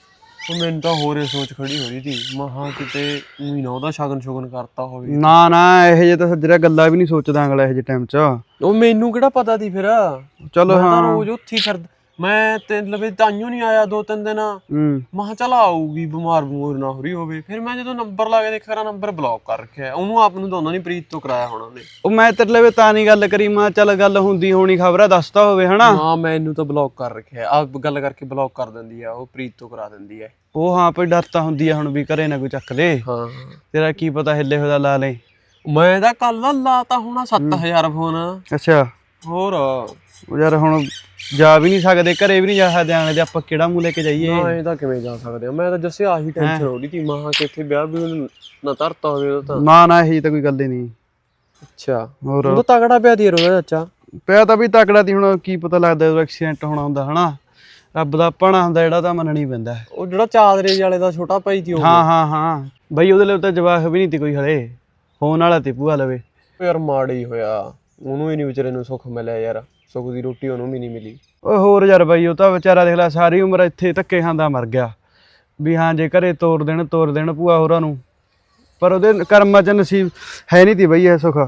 S8: ਉਹ ਮੈਨੂੰ ਤਾਂ ਹੋਰੇ ਸੋਚ ਖੜੀ ਹੋ ਰਹੀ ਸੀ। ਮਹਾ ਕਿਤੇ ਉਹੀ ਨਾ ਉਹਦਾ ਸ਼ਗਨ ਸ਼ੁਗਨ ਕਰਤਾ ਹੋਵੇ।
S2: ਨਾ ਨਾ ਇਹੋ ਜਿਹੇ ਤਾਂ ਸੱਜਰਾ ਗੱਲਾਂ ਵੀ ਨਹੀਂ ਸੋਚਦਾ ਅਗਲਾ ਇਹੋ ਜਿਹੇ ਟਾਈਮ 'ਚ।
S8: ਉਹ ਮੈਨੂੰ ਕਿਹੜਾ ਪਤਾ ਸੀ ਫਿਰ।
S2: ਚਲੋ
S8: ਮੈਂ ਤਾਂ
S2: ਹਾਂ।
S8: ਰੋਜ਼ ਉੱਥੇ ਹੀ ਫਿਰਦਾ। ਮੈਂ ਤੇ ਲਵੇ ਤਾਈਓ ਨਹੀਂ ਆਇਆ ਦੋ ਤਿੰਨ ਦਿਨ।
S2: ਹੂੰ
S8: ਮਹਾ ਚੱਲ ਆਊਗੀ, ਬਿਮਾਰ ਬਮੂਰ ਨਾ ਹੋ ਰਹੀ ਹੋਵੇ। ਫਿਰ ਮੈਂ ਜਦੋਂ ਨੰਬਰ ਲਾ ਕੇ ਦੇਖਿਆ ਕਰਾਂ ਨੰਬਰ ਬਲੌਕ ਕਰ ਰੱਖਿਆ। ਉਹਨੂੰ ਆਪ ਨੂੰ ਤਾਂ ਉਹਨਾਂ ਨੇ ਪ੍ਰੀਤ ਤੋਂ ਕਰਾਇਆ ਹੋਣਾ ਉਹਨੇ।
S2: ਉਹ ਮੈਂ ਤੇਰੇ ਲਵੇ ਤਾਂ ਨਹੀਂ ਗੱਲ ਕਰੀ। ਮੈਂ ਚੱਲ ਗੱਲ ਹੁੰਦੀ ਹੋਣੀ ਖਬਰ ਦੱਸਦਾ ਹੋਵੇ ਹਨਾ।
S8: ਹਾਂ ਮੈਨੂੰ ਤਾਂ ਬਲੌਕ ਕਰ ਰੱਖਿਆ। ਆਪ ਗੱਲ ਕਰਕੇ ਬਲੌਕ ਕਰ ਦਿੰਦੀ ਆ ਉਹ, ਪ੍ਰੀਤ ਤੋਂ ਕਰਾ ਦਿੰਦੀ ਆ।
S2: ਉਹ ਹਾਂ ਕੋਈ ਡਰ ਤਾਂ ਹੁੰਦੀ ਆ ਹੁਣ ਵੀ ਘਰੇ ਨਾ ਕੋਈ ਚੱਕ ਦੇ।
S8: ਹਾਂ
S2: ਤੇਰਾ ਕੀ ਪਤਾ ਹਿੱਲੇ ਹੋਦਾ ਲਾ ਲੈ।
S8: ਮੈਂ ਤਾਂ ਕੱਲ ਲਾਤਾ ਹੋਣਾ ਸੱਤ ਹਜ਼ਾਰ ਫੋਨ।
S2: ਅੱਛਾ।
S8: ਹੋਰ
S2: ਉਹ ਯਾਰ ਹੁਣ ਜਾ ਵੀ ਨਹੀਂ ਸਕਦੇ, ਘਰੇ ਵੀ ਨਹੀਂ ਜਾ ਸਕਦੇ ਆਣੇ ਤੇ ਆਪਾਂ ਕਿਹੜਾ ਮੂੰਹ ਲੈ ਕੇ ਜਾਈਏ?
S8: ਨਾ ਇਹ ਤਾਂ ਕਿਵੇਂ ਜਾ ਸਕਦੇ ਆ। ਮੈਂ ਤਾਂ ਜੱਸੇ ਆਹੀ ਟੈਨਸ਼ਨ ਹੋ ਰਹੀ ਸੀ। ਮਹਾ ਕਿ ਇੱਥੇ ਵਿਆਹ ਵੀ ਨਾ ਧਰਤਾ ਹੋਵੇ ਉਹ ਤਾਂ।
S2: ਨਾ ਨਾ ਇਹੀ ਤਾਂ ਕੋਈ ਗੱਲ ਹੀ ਨਹੀਂ।
S8: ਅੱਛਾ
S2: ਹੋਰ
S8: ਉਹ ਤਾਂ ਤਗੜਾ ਪਿਆ ਦੀ ਉਹਦਾ ਚਾਚਾ।
S2: ਪਿਆ ਤਾਂ ਵੀ ਤਕੜਾ ਤੀ। ਹੁਣ ਕੀ ਪਤਾ ਲੱਗਦਾ ਉਹ ਐਕਸੀਡੈਂਟ ਹੋਣਾ ਹੁੰਦਾ ਹਨਾ। ਰੱਬ ਦਾ ਭਾਣਾ ਹੁੰਦਾ ਜਿਹੜਾ ਤਾਂ ਮੰਨਣਾ ਹੀ ਪੈਂਦਾ।
S8: ਉਹ ਜਿਹੜਾ ਚਾਦਰੇ ਵਾਲੇ ਦਾ ਛੋਟਾ ਭਾਈ ਸੀ ਉਹ।
S2: ਹਾਂ ਹਾਂ ਹਾਂ ਬਈ ਉਹਦੇ ਲਈ ਤਾਂ ਜਵਾਕ ਵੀ ਨਹੀਂ ਤੀ ਕੋਈ ਹਲੇ। ਫੋਨ ਵਾਲਾ ਤੇ ਭੂਆ ਲਵੇ।
S8: ਯਾਰ ਮਾੜਾ ਹੀ ਹੋਇਆ। ਉਹਨੂੰ ਹੀ ਨਹੀਂ ਵਿਚਾਰੇ ਨੂੰ ਸੁੱਖ ਮਿਲਿਆ ਯਾਰ। ਸੁੱਖ ਦੀ ਰੋਟੀ ਉਹਨੂੰ ਵੀ ਨਹੀਂ ਮਿਲੀ।
S2: ਓਏ ਹੋਰ ਯਾਰ ਬਾਈ ਉਹ ਤਾਂ ਵਿਚਾਰਾ ਦੇਖ ਲੈ ਸਾਰੀ ਉਮਰ ਇੱਥੇ ਧੱਕੇ ਖਾਂਦਾ ਮਰ ਗਿਆ ਵੀ ਹਾਂ ਜੇ ਘਰੇ ਤੋਰ ਦੇਣ ਤੋਰ ਦੇਣ ਭੂਆ ਹੋਰਾਂ ਨੂੰ। ਪਰ ਉਹਦੇ ਕਰਮਾਂ 'ਚ ਨਸੀਬ ਹੈ ਨਹੀਂ ਤੀ ਬਈ ਇਹ ਸੁੱਖ।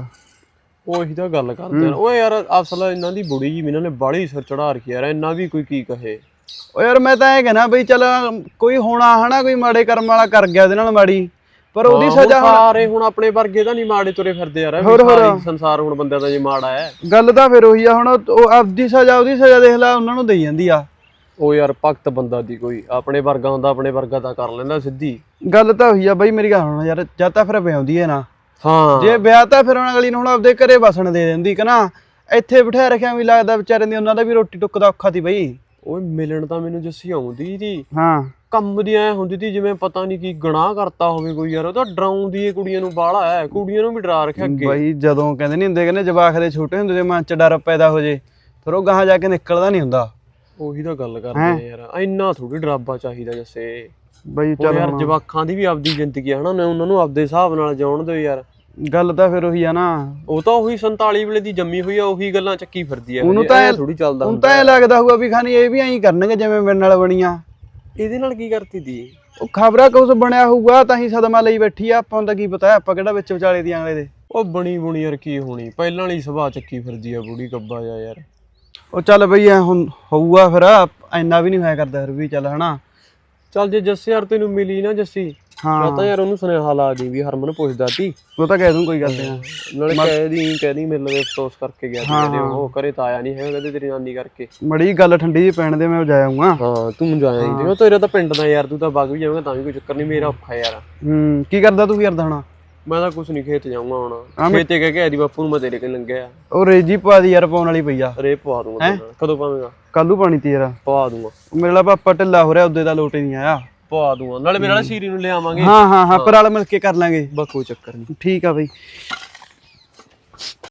S8: ਉਹੀ ਤਾਂ ਗੱਲ ਕਰਦੇ ਆ। ਓਏ ਯਾਰ ਅਸਲ ਇਹਨਾਂ ਦੀ ਬੁੜੀ ਜੀ ਇਹਨਾਂ ਨੇ ਬਾਹਲੀ ਸਿਰ ਚੜਾ ਰੱਖੀ ਯਾਰ। ਇਹਨਾਂ ਵੀ ਕੋਈ ਕੀ ਕਹੇ।
S2: ਓ ਯਾਰ ਮੈਂ ਤਾਂ ਇਹ ਕਹਿਣਾ ਬਈ ਚੱਲ ਕੋਈ ਹੋਣਾ ਹਨਾ, ਕੋਈ ਮਾੜੇ ਕਰਮ ਵਾਲਾ ਕਰ ਗਿਆ ਉਹਦੇ ਨਾਲ ਮਾੜੀ, ਪਰ ਉਹਦੀ
S8: ਹਾਂ,
S2: ਸਜ਼ਾ
S8: ਹੁਣ ਸਾਰੇ ਹੁਣ ਆਪਣੇ ਵਰਗੇ ਤਾਂ ਨਹੀਂ ਮਾੜੇ ਤੁਰੇ ਫਿਰਦੇ ਯਾਰ।
S2: ਹੋਰ ਹੋਰ
S8: ਸਾਰੀ ਸੰਸਾਰ ਹੁਣ ਬੰਦਿਆਂ ਦਾ ਜੇ ਮਾੜਾ ਹੈ।
S2: ਗੱਲ ਤਾਂ ਫਿਰ ਉਹੀ ਆ। ਹੁਣ ਉਹ ਆਪਦੀ ਸਜ਼ਾ ਉਹਦੀ ਸਜ਼ਾ ਦੇਖ ਲੈ ਉਹਨਾਂ ਨੂੰ ਦੇਈ ਜਾਂਦੀ ਆ।
S8: ਉਹ ਯਾਰ ਭਗਤ ਬੰਦਾ ਦੀ ਕੋਈ ਆਪਣੇ ਵਰਗਾ ਹੁੰਦਾ, ਆਪਣੇ ਵਰਗਾ ਤਾਂ ਕਰ ਲੈਂਦਾ ਸਿੱਧੀ।
S2: ਗੱਲ ਤਾਂ ਉਹੀ ਆ ਬਈ ਮੇਰੀ ਗੱਲ ਹੁਣ ਯਾਰ, ਜਾਂ ਤਾਂ ਫਿਰ ਵਿਆਉਂਦੀ ਹੈ ਨਾ।
S8: ਹਾਂ
S2: ਜੇ ਵਿਆਹ ਤਾਂ ਫਿਰ ਉਹਨਾਂ ਅਗਲੀ ਨੂੰ ਹੁਣ ਆਪਦੇ ਘਰੇ ਵਸਣ ਦੇ ਦਿੰਦੀ ਕਿ ਨਾ। ਇੱਥੇ ਬਿਠਾ ਰੱਖਿਆ ਵੀ ਲੱਗਦਾ ਵਿਚਾਰੇ ਦੀ ਉਹਨਾਂ ਦਾ ਵੀ ਰੋਟੀ ਟੁੱਕ ਦਾ ਔਖਾ ਸੀ ਬਈ।
S8: ਓਏ ਮਿਲਣ ਤਾਂ ਮੈਨੂੰ ਜੱਸੀ ਆਉਂਦੀ ਸੀ,
S9: ਹਾਂ
S8: ਕੰਮ ਦੀ ਐ ਹੁੰਦੀ ਸੀ ਜਿਵੇਂ ਪਤਾ ਨਹੀਂ ਕੀ ਗੁਨਾਹ ਕਰਤਾ ਹੋਵੇ ਕੋਈ ਯਾਰ। ਉਹ ਤਾਂ ਡਰਾਉਂਦੀ ਏ ਕੁੜੀਆਂ ਨੂੰ ਬਾਹਲਾ ਐ, ਕੁੜੀਆਂ ਨੂੰ ਵੀ ਡਰਾ ਰੱਖਿਆ ਅੱਗੇ।
S9: ਬਾਈ ਜਦੋਂ ਕਹਿੰਦੇ ਨਹੀਂ ਹੁੰਦੇ ਕਹਿੰਦੇ ਜਵਾਕ ਦੇ ਛੋਟੇ ਹੁੰਦੇ ਦੇ ਮਨ ਚ ਡਰ ਪੈਦਾ ਹੋ ਜੇ ਫਿਰ ਉਹ ਗਾਹਾਂ ਜਾ ਕੇ ਨਿਕਲਦਾ ਨਹੀਂ ਹੁੰਦਾ।
S8: ਉਹੀ ਤਾਂ ਗੱਲ ਕਰਦੇ ਆ ਯਾਰ, ਇੰਨਾ ਥੋੜੀ ਡਰਾਬਾ ਚਾਹੀਦਾ ਜੱਸੇ।
S9: ਬਾਈ
S8: ਚੱਲ
S9: ਚੱਲ
S8: ਯਾਰ
S9: ਹੁਣ
S8: ਜਵਾਕਾਂ ਦੀ ਵੀ ਆਪਦੀ ਜ਼ਿੰਦਗੀ ਆ ਹਨਾ, ਉਹਨਾਂ ਨੂੰ ਆਪਦੇ ਹਿਸਾਬ ਨਾਲ ਜਿਉਣ ਦਿਓ ਯਾਰ।
S9: ਗੱਲ ਤਾਂ ਫਿਰ ਉਹੀ ਆ ਨਾ,
S8: ਉਹ ਤਾਂ ਉਹੀ ਸੰਤਾਲੀ ਵੇਲੇ ਦੀ ਜੰਮੀ ਹੋਈ ਆ, ਉਹੀ ਗੱਲਾਂ ਚੱਕੀ ਫਿਰਦੀ ਆ।
S9: ਉਹਨੂੰ ਤਾਂ
S8: ਥੋੜੀ ਚੱਲਦਾ
S9: ਹੁਣ ਤਾਂ ਇਹ ਲੱਗਦਾ ਹੋਊਗਾ ਵੀ ਖਾਨੀ ਇਹ ਵੀ ਐਂ ਕਰਨਗੇ ਜਿਵੇਂ ਮੇਰੇ ਨਾਲ ਬਣੀਆਂ।
S8: ਇਹਦੇ ਨਾਲ ਕੀ ਕਰਤੀ ਦੀ?
S9: ਉਹ ਖਬਰਾਂ ਕੁਛ ਬਣਿਆ ਹੋਊਗਾ ਤਾਂ ਹੀ ਸਦਮਾ ਲਈ ਬੈਠੀ ਆ, ਆਪਾਂ ਨੂੰ ਤਾਂ ਕੀ ਪਤਾ ਆਪਾਂ ਕਿਹੜਾ ਵਿੱਚ ਵਿਚਾਲੇ ਦੀ ਅਗਲੇ ਦੇ।
S8: ਉਹ ਬਣੀ ਬੁਣੀ ਯਾਰ ਕੀ ਹੋਣੀ, ਪਹਿਲਾਂ ਵਾਲੀ ਸੁਭਾਅ ਚੱਕੀ ਫਿਰਦੀ ਆ ਬੁੜੀ ਕੱਬਾ ਜਾ ਯਾਰ।
S9: ਉਹ ਚੱਲ ਬਈ ਐ ਹੁਣ ਹੋਊਗਾ ਫਿਰ, ਇੰਨਾ ਵੀ ਨਹੀਂ ਹੋਇਆ ਕਰਦਾ ਫਿਰ ਵੀ ਚੱਲ ਹਨਾ।
S8: ਚੱਲ ਜੇ ਜੱਸੇ ਯਾਰ ਤੈਨੂੰ ਮਿਲੀ ਨਾ ਜੱਸੀ, ਮੈਂ ਤਾਂ ਯਾਰ ਉਹਨੂੰ ਸੁਨੇਹਾ ਲਾ ਦੀ ਵੀ ਹਰਮਨ ਪੁੱਛਦਾ ਸੀ।
S9: ਉਹ ਤਾਂ ਕਹਿ ਦੂੰ ਕੋਈ ਗੱਲ ਨਹੀਂ,
S8: ਨਾਲੇ ਕਹਿ ਦੀ ਕਹਿ ਦੀ ਮੇਰੇ ਲਈ ਅਫਸੋਸ ਕਰਕੇ ਗਿਆ ਸੀ, ਉਹ ਕਰੇ ਤਾਂ ਆਇਆ ਨਹੀਂ ਹੈਗਾ, ਕਹਿੰਦੇ ਤੇਰੀ ਨਾਨੀ ਕਰਕੇ।
S9: ਮੜੀ ਗੱਲ ਠੰਡੀ ਜਿਹੀ ਪੈਣ ਦੇ ਮੈਂ ਜਾ ਆਊਂਗਾ।
S8: ਹਾਂ ਤੂੰ ਜਾਇਆ ਨਹੀਂ ਤੇ ਤੇਰਾ ਤਾਂ ਪਿੰਡ ਦਾ ਯਾਰ, ਤੂੰ ਤਾਂ ਵਗ ਵੀ ਜਾਵੇਂਗਾ ਤਾਂ ਵੀ ਕੋਈ ਚੱਕਰ ਨਹੀਂ, ਮੇਰਾ ਔਖਾ ਯਾਰ।
S9: ਹੂੰ ਕੀ ਕਰਦਾ ਤੂੰ ਕਰਦਾ ਹੁਣ?
S8: ਮੈਂ ਤਾਂ ਕੁਛ ਨਹੀਂ, ਖੇਤ ਜਾਊਂਗਾ ਹੁਣ। ਖੇਤੇ ਕਹਿ ਕੇ ਆਦੀ ਬਾਪੂ ਨੂੰ ਮੈਂ ਤੇਰੇ ਕੋਲ ਲੰਘਿਆ।
S9: ਉਹ ਰੇਜੀ ਪਾ ਦੀ ਯਾਰ, ਪਾਉਣ ਵਾਲੀ ਪਈ ਆ।
S8: ਰੇ ਪਵਾ ਦੂੰਗਾ। ਕਦੋਂ ਪਾਵੇਂਗਾ?
S9: ਕੱਲੂ ਪਾਣੀ ਤੀ ਯਾਰ
S8: ਪਵਾ ਦੂੰਗਾ।
S9: ਮੇਰਾ ਪਾਪਾ ਢਿੱਲਾ ਹੋ ਰਿਹਾ, ਉਹਦੇ ਦਾ ਲੋਟ ਹੀ ਨਹੀਂ ਆਇਆ।
S8: ਪਵਾ ਦੂੰਗਾ, ਨਾਲੇ ਮੇਰੇ ਨਾਲ ਸ਼ੀਰੀ ਨੂੰ ਲੈ ਆਵਾਂਗੇ।
S9: ਹਾਂ ਹਾਂ ਹਾਂ ਪਰ ਨਾਲ ਮਿਲ ਕੇ ਕਰ ਲਾਂਗੇ,
S8: ਬਸ ਕੋਈ ਚੱਕਰ ਨਹੀਂ।
S9: ਠੀਕ ਆ ਬਈ।